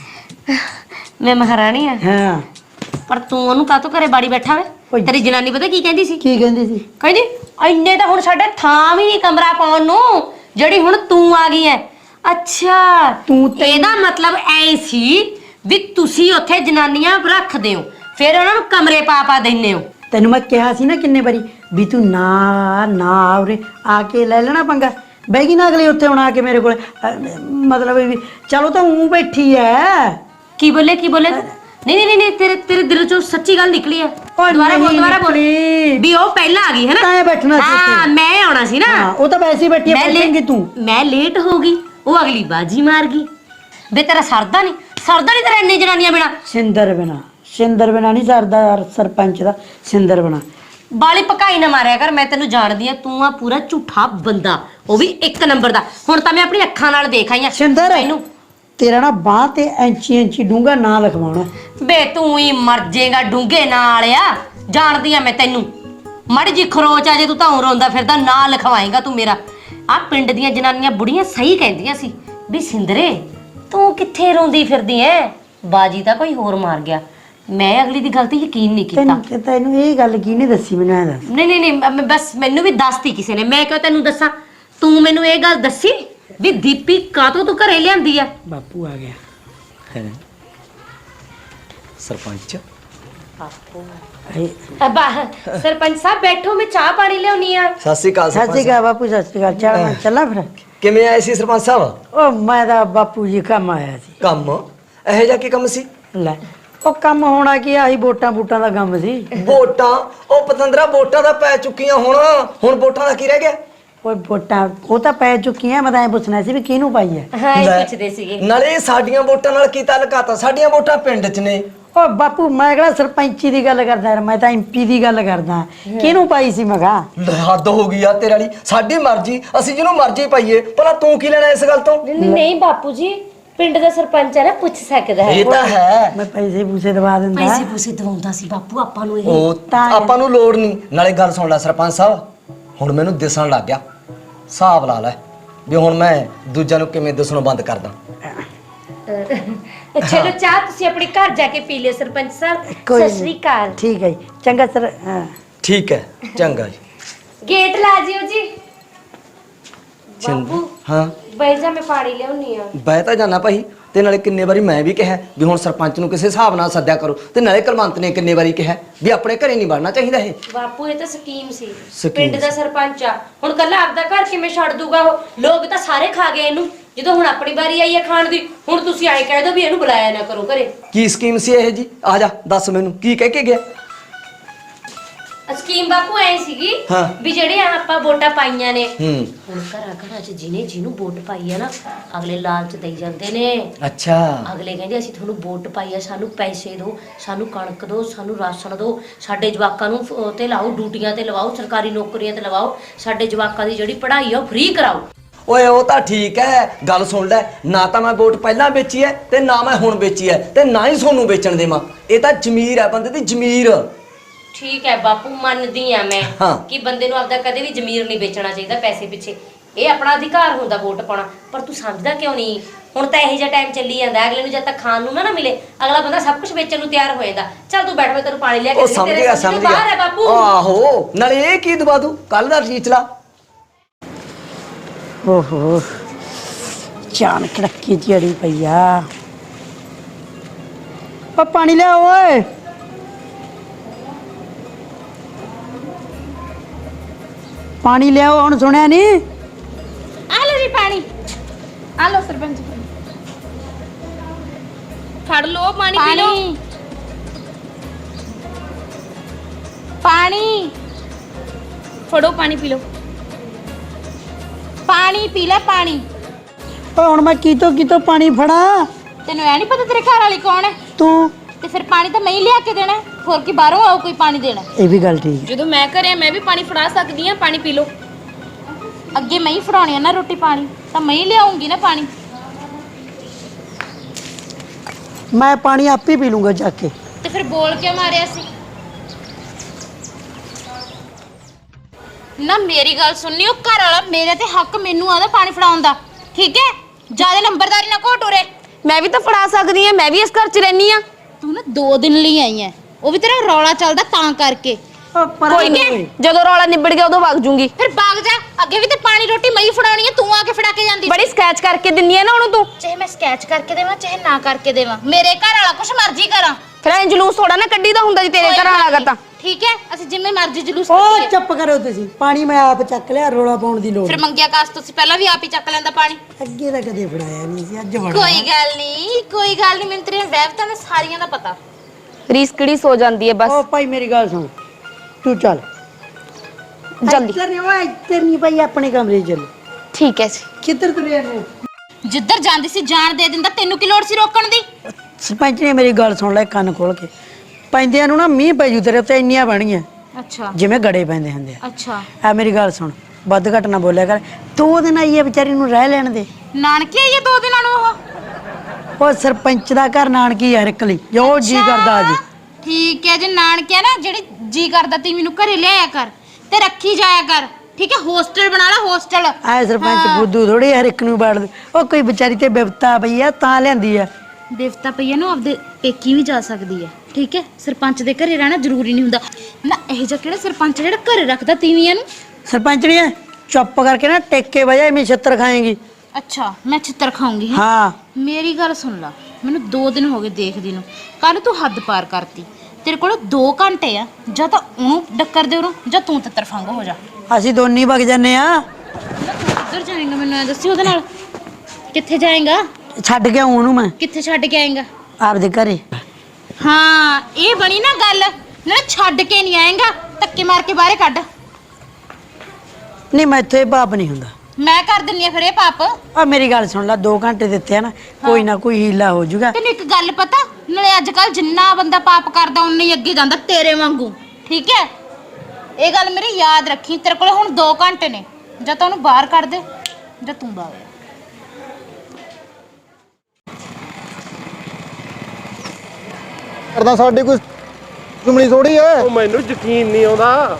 S2: ਮੈਂ ਮਹਾਰਾਣੀ ਆ,
S4: ਹਾਂ।
S2: ਪਰ ਤੂੰ ਉਹਨੂੰ ਕਾਹਤੋਂ ਘਰੇ ਬਾੜੀ ਬੈਠਾ ਵੇ?
S4: ਓਏ।
S2: ਤੇਰੀ ਜਨਾਨੀ ਪਤਾ ਕੀ ਕਹਿੰਦੀ ਸੀ?
S4: ਕੀ ਕਹਿੰਦੀ ਸੀ?
S2: ਕਹਿੰਦੀ ਇੰਨੇ ਤਾਂ ਹੁਣ ਸਾਡੇ ਥਾਂ ਵੀ ਨਹੀਂ ਕਮਰਾ ਪਾਉਣ ਨੂੰ, ਜਿਹੜੀ ਹੁਣ ਤੂੰ ਆ ਗਈ ਐ। ਅੱਛਾ, ਇਹਦਾ ਮਤਲਬ ਐ ਸੀ ਵੀ ਤੁਸੀਂ ਉੱਥੇ ਜਨਾਨੀਆਂ ਰੱਖਦੇ ਹੋ, ਫਿਰ ਉਹਨਾਂ ਨੂੰ ਕਮਰੇ ਪਾ ਦਿੰਦੇ ਹੋ।
S4: ਤੈਨੂੰ ਮੈਂ ਕਿਹਾ ਸੀ ਨਾ ਕਿੰਨੇ ਵਾਰੀ ਵੀ ਤੂੰ ਨਾ ਉਰੇ ਆ ਕੇ ਲੈ ਲੈਣਾ ਪੰਗਾ। ਬਹਿ ਗਈ ਨਾ ਅਗਲੀ ਉੱਥੇ ਹੁਣ ਆ ਕੇ ਮੇਰੇ ਕੋਲ, ਮਤਲਬ ਵੀ ਚਲੋ ਤਾਂ ਉਹ ਬੈਠੀ ਐ।
S2: ਕੀ ਬੋਲੇ ਨਹੀਂ ਤੇਰੇ ਦਿਲ ਚੋਂ ਸੱਚੀ ਗੱਲ ਨਿਕਲੀ ਐ। ਦੁਬਾਰਾ ਬੋਲ ਵੀ ਉਹ ਪਹਿਲਾਂ ਆ ਗਈ ਹੈ ਨਾ?
S4: ਤਾਂ ਬੈਠਣਾ ਸੀ
S2: ਹਾਂ, ਮੈਂ ਆਉਣਾ ਸੀ ਨਾ।
S4: ਹਾਂ, ਉਹ ਤਾਂ ਵੈਸੇ ਹੀ ਬੈਠੀ ਐ, ਬੈਠੇਂਗੀ ਤੂੰ।
S2: ਮੈਂ ਲੇਟ ਹੋ ਗਈ, ਉਹ ਅਗਲੀ ਬਾਜੀ ਮਾਰ ਗਈ। ਵੇ ਤੇਰਾ ਸਰਦਾ ਨਹੀਂ ਤੇਰਾ ਇੰਨੀ ਜਨਾਨੀਆਂ ਬਿਨਾ?
S4: ਸਿੰਦਰ ਬਿਨਾ ਨਹੀਂ ਸਰਦਾ ਸਰਪੰਚ ਦਾ, ਸਿੰਦਰ ਬਿਨਾ।
S2: ਬਾਲੀ ਪਕਾਈ ਨਾ ਮਾਰਿਆ ਕਰ, ਮੈਂ ਤੈਨੂੰ ਜਾਣਦੀ ਆ, ਤੂੰ ਆ ਪੂਰਾ ਝੂਠਾ ਬੰਦਾ, ਉਹ ਵੀ 1 ਨੰਬਰ ਦਾ। ਹੁਣ ਤਾਂ ਮੈਂ ਆਪਣੀ ਅੱਖਾਂ ਨਾਲ ਦੇਖ ਆਈ ਆ।
S4: ਸਿੰਦਰ, ਤੇਰਾ ਨਾ ਬਾਹ ਤੇ ਇੰਚੀ ਡੂੰਗਾ ਨਾਂ ਲਿਖਵਾਉਣਾ।
S2: ਬੇ ਤੂੰ ਹੀ ਮਰ ਜਾਏਗਾ ਡੂੰਗੇ ਨਾਲ ਆ, ਜਾਣਦੀ ਆ ਮੈਂ ਤੈਨੂੰ। ਮੜੀ ਜੀ ਖਰੋਚ ਆ ਜੇ ਤੂੰ ਤਾਂ ਰੋਂਦਾ ਫਿਰਦਾ, ਨਾਂ ਲਿਖਵਾਏਗਾ ਤੂੰ ਮੇਰਾ। ਆ ਪਿੰਡ ਦੀਆਂ ਜਨਾਨੀਆਂ ਬੁੜੀਆਂ ਸਹੀ ਕਹਿੰਦੀਆਂ ਸੀ ਵੀ ਸਿੰਦਰੇ ਤੂੰ ਕਿੱਥੇ ਰੋਂਦੀ ਫਿਰਦੀ ਐ, ਬਾਜੀ ਤਾਂ ਕੋਈ ਹੋਰ ਮਾਰ ਗਿਆ। ਮੈਂ ਅਗਲੀ ਦੀ ਗੱਲ ਤੇ ਯਕੀਨ ਨਹੀਂ ਕੀਤਾ।
S4: ਤੈਨੂੰ ਇਹ ਗੱਲ ਕੀ ਨਹੀਂ ਦੱਸੀ ਮੈਨੂੰ? ਐ ਦੱਸ।
S2: ਨਹੀਂ ਬਸ ਮੈਨੂੰ ਵੀ ਦੱਸਤੀ ਕਿਸੇ ਨੇ, ਮੈਂ ਕਿਉਂ ਤੈਨੂੰ ਦੱਸਾਂ? ਤੂੰ ਮੈਨੂੰ ਇਹ ਗੱਲ ਦੱਸੀ ਵੀ ਦੀਪੀ ਕਾਤੋਂ ਤੂੰ ਘਰੇ ਲਿਆਂਦੀ ਆ?
S4: ਬਾਪੂ ਆ ਗਿਆ
S8: ਹੈ ਸਰਪੰਚ।
S2: ਸਰਪੰਚ ਸਾਹਿਬ ਬੈਠੋ, ਮੈਂ ਚਾਹ ਪਾਣੀ ਲਿਆਉਣੀ ਆ।
S8: ਸਤਿ ਸ਼੍ਰੀ ਅਕਾਲ
S4: ਸਤਿ ਸ਼੍ਰੀ ਅਕਾਲ ਬਾਪੂ, ਸਤਿ ਸ਼੍ਰੀ ਅਕਾਲ। ਚਾਹ ਚੱਲਾਂ ਫਿਰ?
S8: ਕਿਵੇਂ ਆਏ ਸੀ ਸਰਪੰਚ ਸਾਹਿਬ?
S4: ਉਹ ਮੈਂ ਤਾਂ ਬਾਪੂ ਜੀ ਕੰਮ ਆਇਆ ਸੀ।
S8: ਕੰਮ ਇਹੋ ਜਿਹਾ ਕੀ ਕੰਮ ਸੀ?
S4: ਲੈ, ਉਹ ਕੰਮ ਹੋਣਾ ਕੀ, ਆਹੀ ਵੋਟਾਂ ਦਾ ਕੰਮ ਸੀ।
S8: ਵੋਟਾਂ? ਉਹ ਪਤੰਦਰਾ ਵੋਟਾਂ ਦਾ ਪੈ ਚੁੱਕੀਆਂ ਹੁਣ ਵੋਟਾਂ ਦਾ ਕੀ ਰਹਿ ਗਿਆ?
S4: ਓਏ ਵੋਟਾਂ ਉਹ ਤਾਂ ਪੈ ਚੁੱਕੀਆਂ, ਮੈਂ ਤਾਂ ਐ ਪੁੱਛਣਾ ਸੀ ਵੀ ਕਿਹਨੂੰ ਪਾਈ ਐ?
S2: ਹਾਂ, ਇਹ
S8: ਲੈ,
S2: ਪੁੱਛਦੇ ਸੀਗੇ।
S8: ਨਾਲੇ ਸਾਡੀਆਂ ਵੋਟਾਂ ਨਾਲ ਕੀ ਤਾਲੁਕਾਤ ਆ? ਸਾਡੀਆਂ ਵੋਟਾਂ ਪਿੰਡ 'ਚ ਨੇ।
S4: ਓ ਬਾਪੂ, ਮੈਂ ਕਿਹੜਾ ਸਰਪੰਚੀ ਦੀ ਗੱਲ ਕਰਦਾ ਯਾਰ, ਮੈਂ ਤਾਂ ਐਮਪੀ ਦੀ ਗੱਲ ਕਰਦਾ। ਕਿਹਨੂੰ ਪਾਈ ਸੀ ਮਗਾ?
S8: ਹੱਦ ਹੋ ਗਈ ਆ ਤੇਰੇ ਵਾਲੀ। ਸਾਡੀ ਮਰਜ਼ੀ, ਅਸੀਂ ਜਿਹਨੂੰ ਮਰਜ਼ੀ ਪਾਈਏ। ਭਲਾ ਤੂੰ ਕੀ ਲੈਣਾ ਇਸ ਗੱਲ ਤੋਂ?
S2: ਨਹੀਂ ਬਾਪੂ ਜੀ, ਪਿੰਡ ਦਾ ਸਰਪੰਚ ਹੈ ਨਾ, ਪੁੱਛ ਸਕਦਾ ਹੈ।
S8: ਇਹ ਤਾਂ ਹੈ।
S4: ਮੈਂ ਪੈਸੇ ਪੂਸੇ ਦਵਾ ਦਿੰਦਾ।
S2: ਪੈਸੇ ਪੂਸੇ ਦਵਾਉਂਦਾ ਸੀ ਬਾਪੂ ਆਪਾਂ ਨੂੰ। ਇਹ
S8: ਉਹ ਆਪਾਂ ਨੂੰ ਲੋੜ ਨਹੀਂ। ਨਾਲੇ ਗੱਲ ਸੁਣ ਲੈ ਸਰਪੰਚ ਸਾਹਿਬ, ਹੁਣ ਮੈਨੂੰ ਦਿਸਣ ਲੱਗ ਗਿਆ। ਹਿਸਾਬ ਲਾ ਲੈ ਵੀ ਹੁਣ ਮੈਂ ਦੂਜਿਆਂ ਨੂੰ ਕਿਵੇਂ ਦਿਸਣੋਂ ਬੰਦ ਕਰਦਾ।
S2: ਚਲੋ ਚਾਹ ਤੁਸੀਂ ਆਪਣੇ ਘਰ ਜਾ ਕੇ ਪੀ ਲਿਓ ਸਰਪੰਚ ਸਾਹਿਬ।
S4: ਕੋਈ
S2: ਸਤਿ ਸ਼੍ਰੀ ਅਕਾਲ।
S4: ਠੀਕ ਹੈ ਜੀ, ਚੰਗਾ ਸਰ। ਹਾਂ
S8: ਠੀਕ ਹੈ, ਚੰਗਾ ਜੀ।
S2: ਗੇਟ ਲਾ ਜਿਓ ਜੀ।
S8: ਚੰਗਾ। ਹਾਂ,
S2: ਬਹਿ ਜਾ, ਮੈਂ ਪਾਣੀ ਲਿਆਉਣੀ ਆ।
S8: ਬਹਿ ਤਾਂ ਜਾਣਾ ਭਾਈ। ਤੇ ਨਾਲੇ ਕਿੰਨੇ ਵਾਰੀ ਮੈਂ ਵੀ ਕਿਹਾ ਵੀ ਹੁਣ ਸਰਪੰਚ ਨੂੰ ਕਿਸੇ ਹਿਸਾਬ ਨਾਲ ਸੱਦਿਆ ਕਰੋ। ਤੇ ਨਾਲੇ ਕਲਵੰਤ ਨੇ ਕਿੰਨੇ ਵਾਰੀ ਕਿਹਾ ਵੀ ਆਪਣੇ ਘਰੇ ਨਹੀਂ ਵੜਨਾ ਚਾਹੀਦਾ ਇਹ।
S2: ਬਾਪੂ ਇਹ ਤਾਂ ਸਕੀਮ ਸੀ,
S8: ਸਕੀਮ
S2: ਪਿੰਡ ਦਾ ਸਰਪੰਚ ਆ, ਹੁਣ ਕੱਲਾ ਆਪਦਾ ਘਰ ਕਿਵੇਂ ਛੱਡ ਦੂਗਾ ਉਹ? ਲੋਕ ਤਾਂ ਸਾਰੇ ਖਾ ਗਏ ਇਹਨੂੰ, ਜਦੋਂ ਹੁਣ ਆਪਣੀ ਵਾਰੀ ਆਈ ਹੈ ਖਾਣ ਦੀ, ਹੁਣ ਤੁਸੀਂ ਐਂ ਕਹਿ ਦਿਓ ਵੀ ਇਹਨੂੰ ਬੁਲਾਇਆ ਨਾ ਕਰੋ ਘਰੇ।
S8: ਕੀ ਸਕੀਮ ਸੀ ਇਹ ਜੀ? ਆ ਜਾ ਦੱਸ ਮੈਨੂੰ, ਕੀ ਕਹਿ ਕੇ ਗਿਆ?
S2: ਸਕੀਮ ਬਾਪੂ ਐ ਸੀਗੀ
S8: ਹਾਂ।
S2: ਵੀ ਜਿਹੜੇ ਆਪਾਂ ਵੋਟਾਂ ਪਾਈਆਂ ਨੇ,
S8: ਹੂੰ।
S2: ਹੁਣ ਘਰਾਂ ਚ ਜਿਹਨੂੰ ਵੋਟ ਪਾਈ ਆ ਨਾ, ਅਗਲੇ ਲਾਲਚ ਦੇਈ ਜਾਂਦੇ ਨੇ।
S8: ਅੱਛਾ।
S2: ਅਗਲੇ ਕਹਿੰਦੇ ਅਸੀਂ ਤੁਹਾਨੂੰ ਵੋਟ ਪਾਈ ਆ, ਸਾਨੂੰ ਪੈਸੇ ਦਿਓ, ਸਾਨੂੰ ਕਣਕ ਦਿਓ, ਸਾਨੂੰ ਰਾਸ਼ਨ ਦਿਓ, ਸਾਡੇ ਜਵਾਕਾਂ ਨੂੰ ਤੇ ਲਾਓ, ਡਿਊਟੀਆਂ ਤੇ ਲਵਾਓ, ਸਰਕਾਰੀ ਨੌਕਰੀਆਂ ਤੇ ਲਵਾਓ, ਸਾਡੇ ਜਵਾਕਾਂ ਦੀ ਜਿਹੜੀ ਪੜ੍ਹਾਈ ਆ ਉਹ ਫ੍ਰੀ ਕਰਾਓ।
S8: ਓਏ ਉਹ ਤਾਂ ਠੀਕ ਹੈ, ਗੱਲ ਸੁਣ ਲੈ। ਨਾ ਤਾਂ ਮੈਂ ਵੋਟ ਪਹਿਲਾਂ ਵੇਚੀ ਹੈ ਤੇ ਨਾ ਮੈਂ ਹੁਣ ਵੇਚੀ ਹੈ, ਤੇ ਨਾ ਹੀ ਤੁਹਾਨੂੰ ਵੇਚਣ ਦੇਵਾਂ। ਇਹ ਤਾਂ ਜ਼ਮੀਰ ਹੈ ਬੰਦੇ ਦੀ, ਜ਼ਮੀਰ।
S2: ਠੀਕ ਹੈ ਬਾਪੂ, ਮੰਨਦੀ ਆ ਮੈਂ
S8: ਹਾਂ।
S2: ਕਿ ਬੰਦੇ ਨੂੰ ਆਪਦਾ ਕਦੇ ਵੀ ਜ਼ਮੀਰ ਨਹੀਂ ਵੇਚਣਾ ਚਾਹੀਦਾ ਪੈਸੇ ਪਿੱਛੇ। ਇਹ ਆਪਣਾ ਅਧਿਕਾਰ ਹੁੰਦਾ ਵੋਟ ਪਾਉਣਾ, ਪਰ ਤੂੰ ਸਮਝਦਾ ਕਿਉਂ ਨਹੀਂ? ਹੁਣ ਤਾਂ ਇਹੋ ਜਿਹਾ ਟਾਈਮ ਚੱਲੀ ਜਾਂਦਾ, ਅਗਲੇ ਨੂੰ ਜਦ ਤੱਕ ਖਾਣ ਨੂੰ ਨਾ ਮਿਲੇ, ਅਗਲਾ ਬੰਦਾ ਸਭ ਕੁਝ ਵੇਚਣ ਨੂੰ ਤਿਆਰ ਹੋ ਜਾਂਦਾ। ਚੱਲ ਤੂੰ ਬੈਠ, ਮੈਂ ਤੈਨੂੰ ਪਾਣੀ ਲਿਆ ਕੇ
S8: ਉਹ
S2: ਦਿੰਦੀ,
S8: ਸਮਝ
S2: ਤੇਰੇ
S8: ਗਿਆ,
S2: ਸਮਝ
S8: ਸਮਝ
S2: ਤੋਂ ਬਾਹਰ ਹੈ
S8: ਗਿਆ।
S2: ਬਾਪੂ।
S8: ਆਹੋ, ਨਾਲੇ ਇਹ ਕੀ ਦਵਾ ਦੂ? ਕੱਲ ਦਾ ਰੀਚਲਾ।
S4: ਓਹੋ, ਚਾਨ ਕੜਕੀ ਜਿਹੜੀ ਪਈ ਆ। ਓ ਪਾਣੀ ਲਿਆ ਓਏ। ਪਾਣੀ ਲਿਆਓ, ਹੁਣ ਸੁਣਿਆ ਨਹੀਂ?
S3: ਆ ਲਓ ਜੀ ਪਾਣੀ, ਆ ਲਓ ਸਰਪੰਚ ਪਾਣੀ। ਫੜ ਲਓ ਪਾਣੀ ਪੀ ਲਓ
S1: ਪਾਣੀ
S3: ਫੜੋ ਪਾਣੀ ਪੀ ਲਓ
S1: ਪਾਣੀ ਪੀ ਲੈ ਪਾਣੀ।
S4: ਓਏ ਹੁਣ ਮੈਂ ਕਿਤੋਂ ਪਾਣੀ ਫੜਾ?
S1: ਤੈਨੂੰ ਐ ਨਹੀਂ ਪਤਾ ਤੇਰੇ ਘਰ ਵਾਲੀ ਕੌਣ ਹੈ?
S4: ਤੂੰ
S1: ਤੇ ਫਿਰ ਪਾਣੀ ਤਾਂ ਮੈਂ ਹੀ ਲਿਆ ਕੇ ਦੇਣਾ ਹੈ। ਹੋਰ ਕੀ ਬਾਹਰੋਂ ਆਉ ਕੋਈ ਪਾਣੀ ਦੇਣਾ?
S4: ਇਹ ਵੀ ਗੱਲ ਠੀਕ
S3: ਜਦੋਂ ਮੈਂ ਘਰੇ ਮੈਂ ਵੀ ਪਾਣੀ ਫੜਾ ਸਕਦੀ ਆ ਪਾਣੀ ਪੀ ਲਓ
S1: ਅੱਗੇ ਮੈਂ ਹੀ ਫੜਾਉਣੀ ਆ ਨਾ ਰੋਟੀ ਪਾਣੀ, ਤਾਂ ਮੈਂ ਹੀ ਲਿਆਉਂਗੀ ਨਾ ਪਾਣੀ।
S4: ਮੈਂ ਪਾਣੀ ਆਪੇ ਪੀ ਲੂੰਗਾ ਜਾ ਕੇ।
S1: ਤੇ ਫਿਰ ਬੋਲ ਕਿਉਂ ਮਾਰਿਆ ਸੀ? ਨਾ ਮੇਰੀ ਗੱਲ ਸੁਣਨੀ, ਉਹ ਘਰ ਵਾਲਾ ਮੇਰੇ ਤੇ ਹੱਕ ਮੈਨੂੰ ਆਦਾ ਪਾਣੀ ਫੜਾਉਣ ਦਾ, ਠੀਕ ਹੈ? ਜਿਆਦਾ ਨੰਬਰਦਾਰੀ ਨਾ ਘੋਟ ਉਰੇ।
S3: ਮੈਂ ਵੀ ਤਾਂ ਫੜਾ ਸਕਦੀ ਆ, ਮੈਂ ਵੀ ਇਸ ਘਰ 'ਚ ਰਹਿਨੀ ਆ।
S1: ਤੂੰ ਨਾ 2 ਦਿਨ ਲਈ ਆਈ ਐ, ਉਹ ਵੀ ਤੇਰਾ ਰੌਲਾ ਚੱਲਦਾ ਤਾਂ ਕਰਕੇ।
S3: ਕੋਈ ਨਹੀਂ, ਜਦੋਂ ਰੌਲਾ ਨਿਬੜ ਗਿਆ ਉਦੋਂ ਵਗ ਜੂੰਗੀ।
S1: ਫਿਰ ਭਾਗ ਜਾ, ਅੱਗੇ ਵੀ ਤੇ ਪਾਣੀ ਰੋਟੀ ਮੈਂ ਹੀ ਫੜਾਉਣੀ ਐ, ਤੂੰ ਆ ਕੇ ਫੜਾ ਕੇ ਜਾਂਦੀ।
S3: ਬੜੀ ਸਕੈਚ ਕਰਕੇ ਦਿੰਨੀ ਆ ਨਾ ਉਹਨੂੰ ਤੂੰ।
S1: ਚਾਹੇ ਮੈਂ ਸਕੈਚ ਕਰਕੇ ਦੇਵਾਂ ਚਾਹੇ ਨਾ ਕਰਕੇ ਦੇਵਾਂ, ਮੇਰੇ ਘਰ ਵਾਲਾ ਕੁਛ ਮਰਜ਼ੀ ਕਰਾਂ।
S3: ਫਿਰ ਐਂ ਜਲੂਸ ਥੋੜਾ ਨਾ ਕੱਢੀ ਦਾ ਹੁੰਦਾ ਜੀ ਤੇਰੇ ਘਰ ਆਣਾ ਤਾਂ।
S1: ਠੀਕ ਹੈ, ਅਸੀਂ ਜਿੰਨੇ ਮਰਜ਼ੀ ਜਲੂਸ
S4: ਓ
S1: ਕੱਢੀਏ।
S4: ਚੁੱਪ ਕਰੋ ਤੁਸੀਂ, ਪਾਣੀ ਮੈਂ ਆਪ ਚੱਕ ਲਿਆ, ਰੋਲਾ ਪਾਉਣ ਦੀ ਲੋੜ
S1: ਫਿਰ ਮੰਗਿਆ ਕਾਸ ਤੁਸੀਂ ਪਹਿਲਾਂ ਵੀ ਆਪ ਹੀ ਚੱਕ ਲੈਂਦਾ ਪਾਣੀ।
S4: ਅੱਗੇ ਤਾਂ ਕਦੇ ਫੜਾਇਆ ਨਹੀਂ ਸੀ, ਅੱਜ ਫੜਾ।
S1: ਕੋਈ ਗੱਲ ਨਹੀਂ, ਮੈਨੂੰ ਤੇਰੀਆਂ ਵਹਿਬਤਾਂ ਦਾ ਸਾਰੀਆਂ ਦਾ ਪਤਾ।
S3: ਰੀਸ ਕਿਹੜੀ ਸੋ ਜਾਂਦੀ ਹੈ ਬਸ।
S4: ਓ ਭਾਈ ਮੇਰੀ ਗੱਲ ਸੁਣ, ਤੂੰ ਚੱਲ
S3: ਜਲਦੀ।
S4: ਇੱਧਰ ਨਹੀਂ, ਓਏ ਇੱਧਰ ਨਹੀਂ ਭਾਈ, ਆਪਣੇ ਕਮਰੇ 'ਚ ਚੱਲ।
S3: ਠੀਕ ਹੈ ਜੀ।
S4: ਕਿੱਧਰ ਤੁਰਿਆ ਨੇ?
S1: ਜਿੱਧਰ ਜਾਂਦੀ ਸੀ ਜਾਣ ਦੇ ਦਿੰਦਾ, ਤੈਨੂੰ ਕੀ ਲੋੜ ਸੀ ਰੋਕਣ ਦੀ?
S4: ਸਰਪੰਚ ਨੇ ਮੇਰੀ ਗੱਲ ਸੁਣ ਲੈ ਕੰਨ ਖੋਲ ਕੇ। ਪੈਂਦਿਆਂ ਨੂੰ ਨਾ ਮੀਂਹ ਪੈ ਜੂ ਤੇਰੇ ਉੱਤੇ, ਇੰਨੀਆਂ ਬਣੀਆਂ
S1: ਅੱਛਾ
S4: ਜਿਵੇਂ ਗੜੇ ਪੈਂਦੇ ਹੁੰਦੇ ਆ।
S1: ਅੱਛਾ,
S4: ਆ ਮੇਰੀ ਗੱਲ ਸੁਣ, ਵੱਧ ਘੱਟ ਨਾ ਬੋਲਿਆ ਕਰ। 2 ਦਿਨ ਆਈ ਹੈ ਵਿਚਾਰੀ ਨੂੰ, ਰਹਿ ਲੈਣ ਦੇ।
S1: ਨਾਨਕੇ ਆਈ 2 ਦਿਨਾਂ ਨੂੰ ਉਹ?
S4: ਉਹ ਸਰਪੰਚ ਦਾ ਘਰ ਨਾਨਕੀ ਆ ਰਿਕਲੀ, ਜੋ ਜੀ ਕਰਦਾ ਆ ਜੀ।
S1: ਠੀਕ ਹੈ, ਜੇ ਨਾਨਕੇ ਆ ਨਾ, ਜਿਹੜੀ ਜੀ ਕਰਦਾ ਤੀ ਮੈਨੂੰ ਘਰੇ ਲਿਆਇਆ ਕਰ ਤੇ ਰੱਖੀ ਜਾਇਆ ਕਰ, ਠੀਕ ਹੈ? ਹੋਸਟਲ ਬਣਾ ਲਾ, ਹੋਸਟਲ।
S4: ਆਏ ਸਰਪੰਚ ਬੁੱਧੂ ਥੋੜੀ ਹਰ ਇੱਕ ਨੂੰ ਬਾੜ ਦੇ। ਉਹ ਕੋਈ ਵਿਚਾਰੀ ਤੇ ਬਿਪਤਾ ਪਈ ਆ ਤਾਂ ਲਿਆਂਦੀ ਆ।
S1: ਦੇਵਤਾ ਪਈਆ ਨੂੰ ਆਪਦੇ ਪੇਕੀ ਵੀ ਜਾ ਸਕਦੀ ਹੈ, ਠੀਕ ਹੈ? ਸਰਪੰਚ ਦੇ ਘਰੇ ਰਹਿਣਾ ਜ਼ਰੂਰੀ ਨਹੀਂ ਹੁੰਦਾ ਨਾ। ਇਹ ਜਿਹਾ ਕਿਹੜਾ ਸਰਪੰਚ ਜਿਹੜਾ ਘਰੇ ਰੱਖਦਾ ਤੀਵੀਆਂ ਨੂੰ?
S4: ਸਰਪੰਚ ਨਹੀਂ ਹੈ, ਚੁੱਪ ਕਰਕੇ ਨਾ ਟੇਕੇ ਵਜਾ, ਐਵੇਂ ਛਿੱਤਰ ਖਾਏਗੀ।
S1: ਅੱਛਾ, ਮੈਂ ਛਿੱਤਰ ਖਾਉਂਗੀ ਹੈਂ?
S4: ਹਾਂ
S1: ਮੇਰੀ ਗੱਲ ਸੁਣ ਲਾ, ਮੈਨੂੰ 2 ਦਿਨ ਹੋ ਗਏ ਦੇਖਦੀ ਨੂੰ। ਕੱਲ ਤੂੰ ਹੱਦ ਪਾਰ ਕਰਤੀ। ਤੇਰੇ ਕੋਲ 2 ਘੰਟੇ ਆ, ਜਾਂ ਤਾਂ ਉਹਨੂੰ ਡੱਕਰ ਦੇ ਉਹਨੂੰ, ਜਾਂ ਤੂੰ ਤਿੱਤਰ ਫੰਗ ਹੋ ਜਾ।
S4: ਅਸੀਂ ਦੋਨੀ ਵਗ ਜੰਨੇ ਆ।
S1: ਨਾ ਤੂੰ ਕਿੱਧਰ ਜਾਏਂਗਾ ਮੈਨੂੰ ਐ ਦੱਸੀ, ਉਹਦੇ ਨਾਲ ਕਿੱਥੇ ਜਾਏਂਗਾ?
S4: ਛੱਡ ਕੇ ਆਉਂ ਉਹਨੂੰ ਮੈਂ
S1: ਕਿੱਥੇ ਛੱਡ ਕੇ ਆਏਂਗਾ?
S4: ਆਪਦੇ ਘਰੇ।
S1: ਹਾਂ, ਇਹ ਬਣੀ ਨਾ ਗੱਲ। ਨਾ ਛੱਡ ਕੇ ਨਹੀਂ ਆਏਂਗਾ, ਧੱਕੇ ਮਾਰ ਕੇ ਬਾਹਰੇ ਕੱਢ।
S4: ਨਹੀਂ ਮੈਂ ਇੱਥੇ ਬਾਪ ਨਹੀਂ ਹੁੰਦਾ,
S1: ਮੈਂ ਕਰ ਦਿੰਨੀ ਆ ਫਿਰ ਇਹ ਪਾਪ।
S4: ਆ ਮੇਰੀ ਗੱਲ ਸੁਣ ਲੈ, 2 ਘੰਟੇ ਦਿੱਤੇ ਆ ਨਾ, ਕੋਈ ਨਾ ਕੋਈ ਹੀਲਾ ਹੋ ਜਾਊਗਾ।
S1: ਤੈਨੂੰ ਇੱਕ ਗੱਲ ਪਤਾ, ਨਾਲੇ ਅੱਜ ਕੱਲ ਜਿੰਨਾ ਬੰਦਾ ਪਾਪ ਕਰਦਾ ਉਨਾ ਹੀ ਅੱਗੇ ਜਾਂਦਾ ਤੇਰੇ ਵਾਂਗੂ, ਠੀਕ ਹੈ? ਇਹ ਗੱਲ ਮੇਰੀ ਯਾਦ ਰੱਖੀ। ਤੇਰੇ ਕੋਲ ਹੁਣ 2 ਘੰਟੇ ਨੇ, ਜਾਂ ਤਾਂ ਉਹਨੂੰ ਬਾਹਰ ਕੱਢ ਦੇ ਜਾਂ ਤੂੰ ਬਾਹਰ ਆ।
S7: ਕਰਦਾ ਸਾਡੇ ਕੋਈ ਦੁਸ਼ਮਣੀ ਥੋੜੀ ਐ।
S5: ਉਹ ਮੈਨੂੰ ਯਕੀਨ ਨਹੀਂ ਆਉਂਦਾ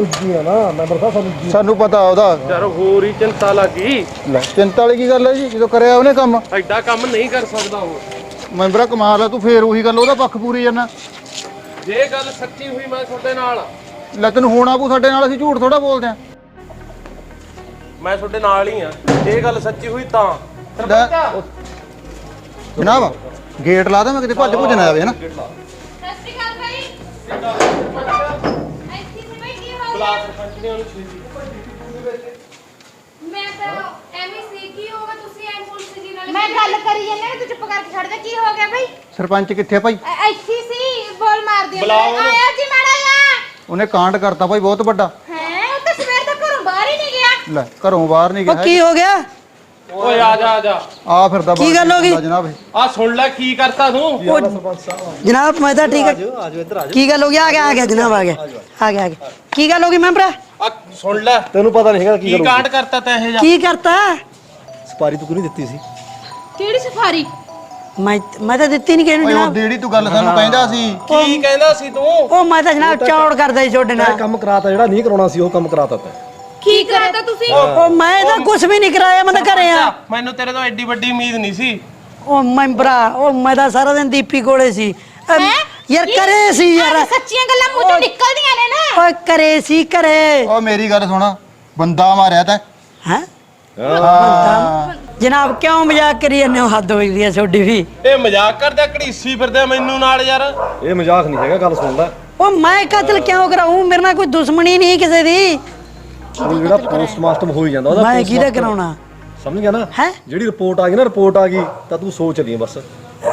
S7: ਸਾਨੂੰ ਪਤਾ ਉਹਦਾ।
S5: ਯਾਰ ਹੋਰ ਹੀ ਚਿੰਤਾ ਲੱਗੀ।
S7: ਚਿੰਤਾ ਵਾਲੀ ਕੀ ਗੱਲ ਹੈ ਜੀ, ਜਦੋਂ ਕਰਿਆ ਉਹਨੇ ਕੰਮ।
S5: ਐਡਾ ਕੰਮ ਨਹੀਂ ਕਰ ਸਕਦਾ ਉਹ।
S7: ਮੈਂਬਰਾ ਕਮਾਲ ਆ, ਤੂੰ ਫੇਰ ਉਹੀ ਗੱਲ ਉਹਦਾ ਪੱਖ ਪੂਰੀ ਜਾਂਦਾ।
S5: ਜੇ ਗੱਲ ਸੱਚੀ ਹੋਈ ਮੈਂ ਤੁਹਾਡੇ ਨਾਲ,
S7: ਲੈ ਤੈਨੂੰ ਹੋਣਾ ਪਊ ਸਾਡੇ ਨਾਲ, ਅਸੀਂ ਝੂਠ ਥੋੜਾ ਬੋਲਦੇ ਆ।
S5: ਮੈਂ ਤੁਹਾਡੇ ਨਾਲ ਹੀ ਆ। ਜੇ ਗੱਲ ਸੱਚੀ ਹੋਈ ਤਾਂ
S7: ਜਨਾਬ ਗੇਟ ਲਾ ਦੇ, ਮੈਂ ਕਿਤੇ ਭੱਜ ਭੁੱਜ ਨਾ ਆਵੇ ਹਨਾ।
S1: ਸਤਿ ਸ਼੍ਰੀ ਅਕਾਲ ਭਾਈ। ਐਸੀ ਸੀ ਭਾਈ, ਕੀ ਹੋ
S5: ਬੁਲਾ ਸਰਪੰਚ ਨੇ ਉਹਨੂੰ ਛੇਤੀ।
S3: ਮੈਂ ਤਾਂ ਐਵੇਂ ਸੀ, ਕੀ ਹੋਗਾ ਤੁਸੀਂ ਐਂ ਪੁਲਿਸ ਜੀ ਨਾਲ?
S1: ਮੈਂ ਗੱਲ ਕਰੀ ਜਾਂਦੀ ਹਾਂ, ਤੂੰ ਚੁੱਪ ਕਰਕੇ ਛੱਡ ਦੇ। ਕੀ ਹੋ ਗਿਆ ਭਾਈ?
S7: ਸਰਪੰਚ ਕਿੱਥੇ ਆ ਭਾਈ?
S1: ਇੱਥੇ ਸੀ, ਬੋਲ ਮਾਰਦੀ ਆ।
S5: ਬੁਲਾਓ ਉਹਨੂੰ।
S1: ਆਇਆ ਜੀ ਮਾੜਾ ਆ।
S7: ਉਹਨੇ ਕਾਂਡ ਕਰਤਾ ਭਾਈ ਬਹੁਤ ਵੱਡਾ।
S1: ਹੈ, ਉਹ ਤਾਂ ਸਵੇਰ ਦਾ ਘਰੋਂ ਬਾਹਰ ਹੀ ਨਹੀਂ ਗਿਆ।
S7: ਲੈ ਘਰੋਂ ਬਾਹਰ ਨਹੀਂ
S4: ਉਹ
S7: ਗਿਆ।
S4: ਕੀ ਹੋ ਗਿਆ?
S5: ਓਏ ਆ ਜਾ
S7: ਆ ਫਿਰਦਾ
S4: ਕੀ ਗੱਲ ਹੋ ਗਈ?
S7: ਜਨਾਬ
S5: ਆ ਸੁਣ ਲੈ ਕੀ ਕਰਤਾ ਤੂੰ।
S4: ਜਨਾਬ ਮੈਂ ਤਾਂ ਠੀਕ ਹੈ। ਕੀ ਗੱਲ ਹੋ ਗਈ? ਆ ਗਿਆ ਜਨਾਬ, ਆ ਗਿਆ। ਕੀ ਗੱਲ ਹੋ ਗਈ ਮੈਂਬਰਾ?
S5: ਆ ਸੁਣ ਲੈ,
S6: ਤੈਨੂੰ ਪਤਾ ਨਹੀਂ ਹੈਗਾ
S5: ਕੀ ਕਾਂਡ ਕਰਤਾ ਤੈਂ ਇਹ ਜਾ।
S4: ਕੀ ਕਰਤਾ?
S6: ਸਪਾਰੀ ਤੂੰ ਨਹੀਂ ਦਿੱਤੀ ਸੀ।
S1: ਕਿਹੜੀ ਸਫਾਰੀ?
S4: ਮੈਂ ਤਾਂ ਦਿੱਤੀ ਨਹੀਂ ਕਿਹਨੂੰ
S7: ਓਏ ਉਹ
S4: ਜਨਾਬ।
S7: ਜਿਹੜੀ ਤੂੰ ਗੱਲ ਸਾਨੂੰ ਕਹਿੰਦਾ ਸੀ।
S5: ਕੀ ਕਹਿੰਦਾ ਸੀ ਤੂੰ?
S4: ਉਹ ਮੈਂ ਤਾਂ ਜਨਾਬ ਚੌੜ ਕਰਦਾ ਸੀ ਤੁਹਾਡੇ ਨਾਲ।
S6: ਕੰਮ ਕਰਾਤਾ, ਜਿਹੜਾ ਨਹੀਂ ਕਰਾਉਣਾ ਸੀ ਉਹ ਕੰਮ ਕਰਾਤਾ ਤੈਂ।
S3: ਕੀ ਕਰਾਤਾ ਤੁਸੀਂ?
S4: ਉਹ ਮੈਂ ਤਾਂ ਕੁਝ ਵੀ ਨਹੀਂ ਕਰਾਇਆ, ਮੈਂ ਤਾਂ ਘਰੇ ਆ।
S5: ਮੈਨੂੰ ਤੇਰੇ ਤੋਂ ਐਡੀ ਵੱਡੀ ਉਮੀਦ ਨਹੀਂ ਸੀ।
S4: ਉਹ ਮੈਂਬਰਾ, ਉਹ ਮੈਂ ਤਾਂ ਸਾਰਾ ਦਿਨ ਦੀਪੀ ਕੋਲੇ ਸੀ। ਯਾਰ ਕਰੇ ਸੀ ਯਾਰ,
S1: ਸੱਚੀਆਂ ਗੱਲਾਂ ਮੂੰਹ ਚੋਂ ਨਿਕਲਦੀਆਂ ਨੇ ਨਾ।
S4: ਓਏ ਕਰੇ ਸੀ ਘਰੇ।
S7: ਓ ਮੇਰੀ ਗੱਲ ਸੁਣ, ਬੰਦਾ ਮਾਰਿਆ ਤੈਂ।
S4: ਹੈ
S7: ਹਾਂ
S4: ਜਨਾਬ, ਕਿਉਂ ਮਜ਼ਾਕ ਕਰੀ ਜਾਂਦੇ ਹੋ? ਹੱਦ ਹੋਈ ਦੀ ਹੈ ਤੁਹਾਡੀ ਵੀ।
S5: ਇਹ ਮਜ਼ਾਕ ਕਰਦਾ, ਘੜੀਸੀ ਫਿਰਦਾ ਮੈਨੂੰ ਨਾਲ ਯਾਰ।
S6: ਇਹ ਮਜ਼ਾਕ ਨਹੀਂ ਹੈਗਾ, ਗੱਲ ਸੁਣ ਲੈ।
S4: ਉਹ ਮੈਂ ਕਤਲ ਕਿਉਂ ਕਰਾਉਂ? ਮੇਰੇ ਨਾਲ ਕੋਈ ਦੁਸ਼ਮਣੀ ਨਹੀਂ ਕਿਸੇ ਦੀ।
S6: ਉਹ ਜਿਹੜਾ ਪੋਸਟਮਾਸਟਰ ਹੋ ਹੀ ਜਾਂਦਾ ਉਹਦਾ।
S4: ਮੈਂ ਕਿਹਦਾ ਕਰਾਉਣਾ?
S6: ਸਮਝ ਗਿਆ ਨਾ?
S4: ਹੈ
S6: ਜਿਹੜੀ ਰਿਪੋਰਟ ਆ ਗਈ ਨਾ, ਰਿਪੋਰਟ ਆ ਗਈ ਤਾਂ ਤੂੰ ਸੋਚ ਲਈ ਬਸ।
S5: ਉਹ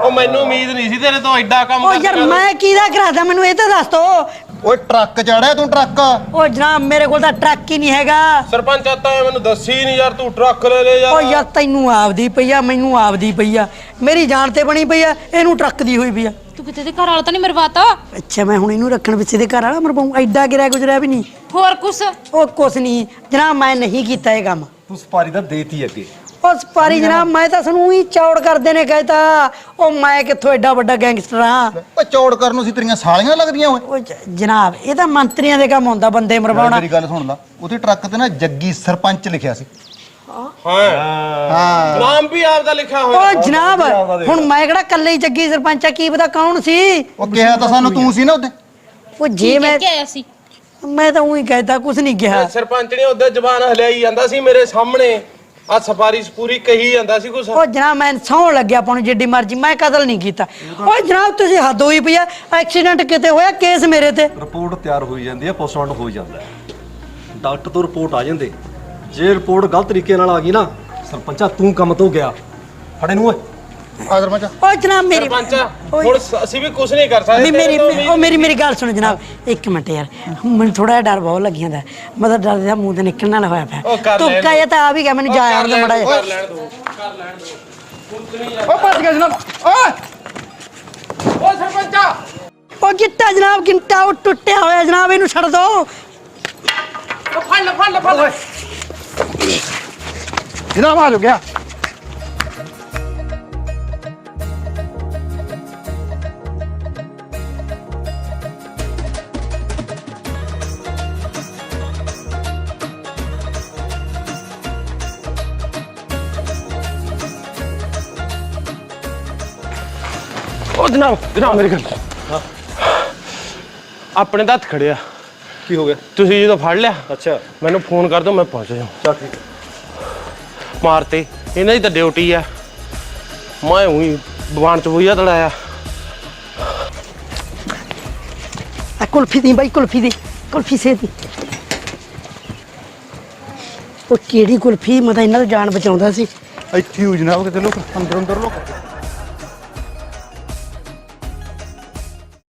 S5: ਉਹ ਮੈਨੂੰ ਉਮੀਦ ਨਹੀਂ ਸੀ ਤੇਰੇ ਤੋਂ ਐਡਾ ਕੰਮ
S4: ਉਹ
S5: ਕਰ
S4: ਯਾਰ ਮੈਂ ਕਿਹਦਾ ਕਰਾਦਾ ਮੈਨੂੰ ਇਹ ਤਾਂ ਦੱਸ ਦੋ।
S7: ਓਏ ਟਰੱਕ ਚੜਿਆ ਤੂੰ ਟਰੱਕ।
S4: ਉਹ ਜਨਾਬ ਮੇਰੇ ਕੋਲ ਤਾਂ ਟਰੱਕ ਹੀ ਨਹੀਂ ਹੈਗਾ।
S5: ਸਰਪੰਚ ਆਤਾ ਮੈਨੂੰ ਦੱਸੀ ਨਹੀਂ ਯਾਰ, ਤੂੰ ਟਰੱਕ ਲੈ ਲੈ
S4: ਉਹ
S5: ਯਾਰ।
S4: ਯਾਰ ਤੈਨੂੰ ਆਪਦੀ ਪਈ ਆ, ਮੈਨੂੰ ਆਪਦੀ ਪਈ ਆ, ਮੇਰੀ ਜਾਨ ਤੇ ਬਣੀ ਪਈ ਆ, ਇਹਨੂੰ ਟਰੱਕ ਦੀ ਹੋਈ ਪਈ ਆ।
S1: ਤੂੰ ਕਿਤੇ ਦੇ ਘਰ ਵਾਲਾ ਤਾਂ ਨਹੀਂ ਮਰਵਾਤਾ?
S4: ਅੱਛਾ ਮੈਂ ਹੁਣ ਇਹਨੂੰ ਰੱਖਣ ਪਿੱਛੇ ਦੇ ਘਰ ਵਾਲਾ ਮਰਵਾਉਂ? ਐਡਾ ਗਿਰਿਆ ਗੁਜਰਿਆ ਵੀ ਨਹੀਂ।
S1: ਹੋਰ ਕੁਛ?
S4: ਉਹ ਕੁਛ ਨਹੀਂ ਜਨਾਬ, ਮੈਂ ਨਹੀਂ ਕੀਤਾ ਇਹ ਕੰਮ।
S6: ਤੂੰ ਸਪਾਰੀ ਦਾ ਦੇਤੀ ਅੱਗੇ।
S4: ਉਹ ਸਪਾਰੀ ਜਨਾਬ ਮੈਂ ਤਾਂ ਸਾਨੂੰ ਹੀ ਚੌੜ ਕਰਦੇ ਨੇ ਕਹਿਤਾ। ਉਹ ਮੈਂ ਕਿੱਥੋਂ ਐਡਾ ਵੱਡਾ ਗੈਂਗਸਟਰ ਆ।
S7: ਓਏ ਚੌੜ ਕਰਨ ਨੂੰ ਸੀ ਤੇਰੀਆਂ ਸਾਲੀਆਂ ਲੱਗਦੀਆਂ ਓਏ।
S4: ਉਹ ਜਨਾਬ ਇਹ ਤਾਂ ਮੰਤਰੀਆਂ ਦੇ ਕੰਮ ਹੁੰਦਾ ਬੰਦੇ ਮਰਵਾਉਣਾ।
S7: ਮੇਰੀ ਗੱਲ ਸੁਣ ਲਾ, ਉਹਦੇ ਟਰੱਕ ਤੇ ਨਾ ਜੱਗੀ ਸਰਪੰਚ ਲਿਖਿਆ ਸੀ।
S5: ਹਾਂ ਨਾਮ ਵੀ ਆਪਦਾ ਲਿਖਿਆ ਹੋਇਆ।
S4: ਉਹ ਜਨਾਬ ਹੁਣ ਮੈਂ ਕਿਹੜਾ ਕੱਲੇ ਹੀ ਜੱਗੀ ਸਰਪੰਚ ਆ, ਕੀ ਪਤਾ ਕੌਣ ਸੀ।
S7: ਉਹ ਕਿਹਾ ਤਾਂ ਸਾਨੂੰ ਤੂੰ ਸੀ ਨਾ ਉਹਦੇ।
S4: ਉਹ ਜੇ ਮੈਂ
S1: ਕੀ ਆਇਆ ਸੀ?
S4: ਮੈਂ ਤਾਂ ਉਹੀ ਕਹਿਤਾ, ਕੁਛ ਨਹੀਂ ਕਿਹਾ।
S5: ਸਰਪੰਚ ਨੇ ਉਹਦੇ ਜ਼ਬਾਨ ਹਲਿਆਈ ਜਾਂਦਾ ਸੀ ਮੇਰੇ ਸਾਹਮਣੇ, ਆ ਸਫਾਰੀ ਪੂਰੀ ਕਹੀ ਜਾਂਦਾ ਸੀ ਕੁਛ।
S4: ਉਹ ਜਨਾਬ ਮੈਂ ਸੌਣ ਲੱਗਿਆ ਆਪਾਂ ਨੂੰ ਜਿੱਡੀ ਮਰਜ਼ੀ, ਮੈਂ ਕਤਲ ਨਹੀਂ ਕੀਤਾ। ਓਏ ਜਨਾਬ ਤੁਸੀਂ ਹੱਦ ਹੋਈ ਪਈ ਆ, ਐਕਸੀਡੈਂਟ ਕਿਤੇ ਹੋਇਆ, ਕੇਸ ਮੇਰੇ ਤੇ।
S6: ਰਿਪੋਰਟ ਤਿਆਰ ਹੋਈ ਜਾਂਦੀ ਹੈ, ਪੋਸਟਮਾਰਟਮ ਹੋ ਜਾਂਦਾ ਹੈ, ਡਾਕਟਰ ਤੋਂ ਰਿਪੋਰਟ ਆ ਜਾਂਦੇ। ਜੇ ਰਿਪੋਰਟ ਗਲਤ ਤਰੀਕੇ ਨਾਲ ਆ ਗਈ ਨਾ, ਸਰਪੰਚਾ ਤੂੰ ਕੰਮ ਤੋਂ ਗਿਆ। ਫੜੇ ਨੂੰ ਓਏ।
S7: ਆ ਸਰਪੰਚ।
S4: ਓ ਜਨਾਬ ਮੇਰੀ
S5: ਸਰਪੰਚ ਹੁਣ ਅਸੀਂ ਵੀ ਕੁਛ ਨਹੀਂ ਕਰ ਸਕਦੇ।
S4: ਮੇਰੀ ਗੱਲ ਸੁਣੋ ਜਨਾਬ, ਇੱਕ ਮਿੰਟ ਯਾਰ, ਮੈਨੂੰ ਥੋੜਾ ਜਿਹਾ ਡਰ ਬਹੁਤ ਲੱਗੀ ਜਾਂਦਾ। ਮਤਲਬ ਡਰ ਦਾ ਮੂੰਹ ਤੇ ਨਿਕਲਣ ਵਾਲਾ ਹੋਇਆ ਪਿਆ। ਤੂੰ ਕਹਿਆ ਤਾਂ ਆ ਵੀ ਗਿਆ, ਮੈਨੂੰ ਜਾ ਆਉਣ ਦੇ ਮੜਾ
S5: ਕਰ ਲੈਣ ਦੋ, ਕਰ ਲੈਣ ਦੋ।
S7: ਓ ਭੱਜ ਗਿਆ ਜਨਾਬ। ਓਏ
S5: ਓ ਸਰਪੰਚਾ
S4: ਉਹ ਗਿੱਟਾ ਜਨਾਬ, ਗਿੱਟਾ ਉਹ ਟੁੱਟਿਆ ਹੋਇਆ ਜਨਾਬ, ਇਹਨੂੰ ਛੱਡ ਦੋ।
S5: ਫੜ ਲੈ ਫੜ ਲੈ ਫੜ ਲੈ।
S7: ਜਨਾਬ ਆ ਗਿਆ।
S5: ਓ ਜਨਾਬ ਮੇਰੀ ਗੱਲ। ਆਪਣੇ ਤਾਂ ਹੱਥ ਖੜਿਆ।
S6: ਕੀ ਹੋ ਗਿਆ?
S5: ਤੁਸੀਂ ਜਦੋਂ ਫੜ ਲਿਆ
S6: ਅੱਛਾ
S5: ਮੈਨੂੰ ਫੋਨ ਕਰ ਦਿਓ, ਮੈਂ ਪਹੁੰਚ ਜਾਵਾਂ।
S6: ਚੱਲ ਠੀਕ।
S5: ਮਾਰਤੇ ਇਹਨਾਂ ਦੀ ਤਾਂ ਡਿਊਟੀ ਆ, ਮੈਂ ਉਹੀ ਬਵਾਨ ਚ ਬੁਈਆ ਤੜਾਇਆ।
S4: ਆ ਕੁਲਫੀ ਦੀ ਬਾਈ, ਕੁਲਫੀ ਦੀ, ਕੁਲਫੀ ਸੇ ਦੀ। ਉਹ ਕਿਹੜੀ ਕੁਲਫੀ, ਮੈਂ ਤਾਂ ਇਹਨਾਂ ਤੋਂ ਜਾਨ ਬਚਾਉਂਦਾ ਸੀ।
S7: ਇੱਥੇ ਹੋ ਜਨਾਬ, ਕਿਤੇ ਲੋਕ ਅੰਦਰ ਲੋਕ।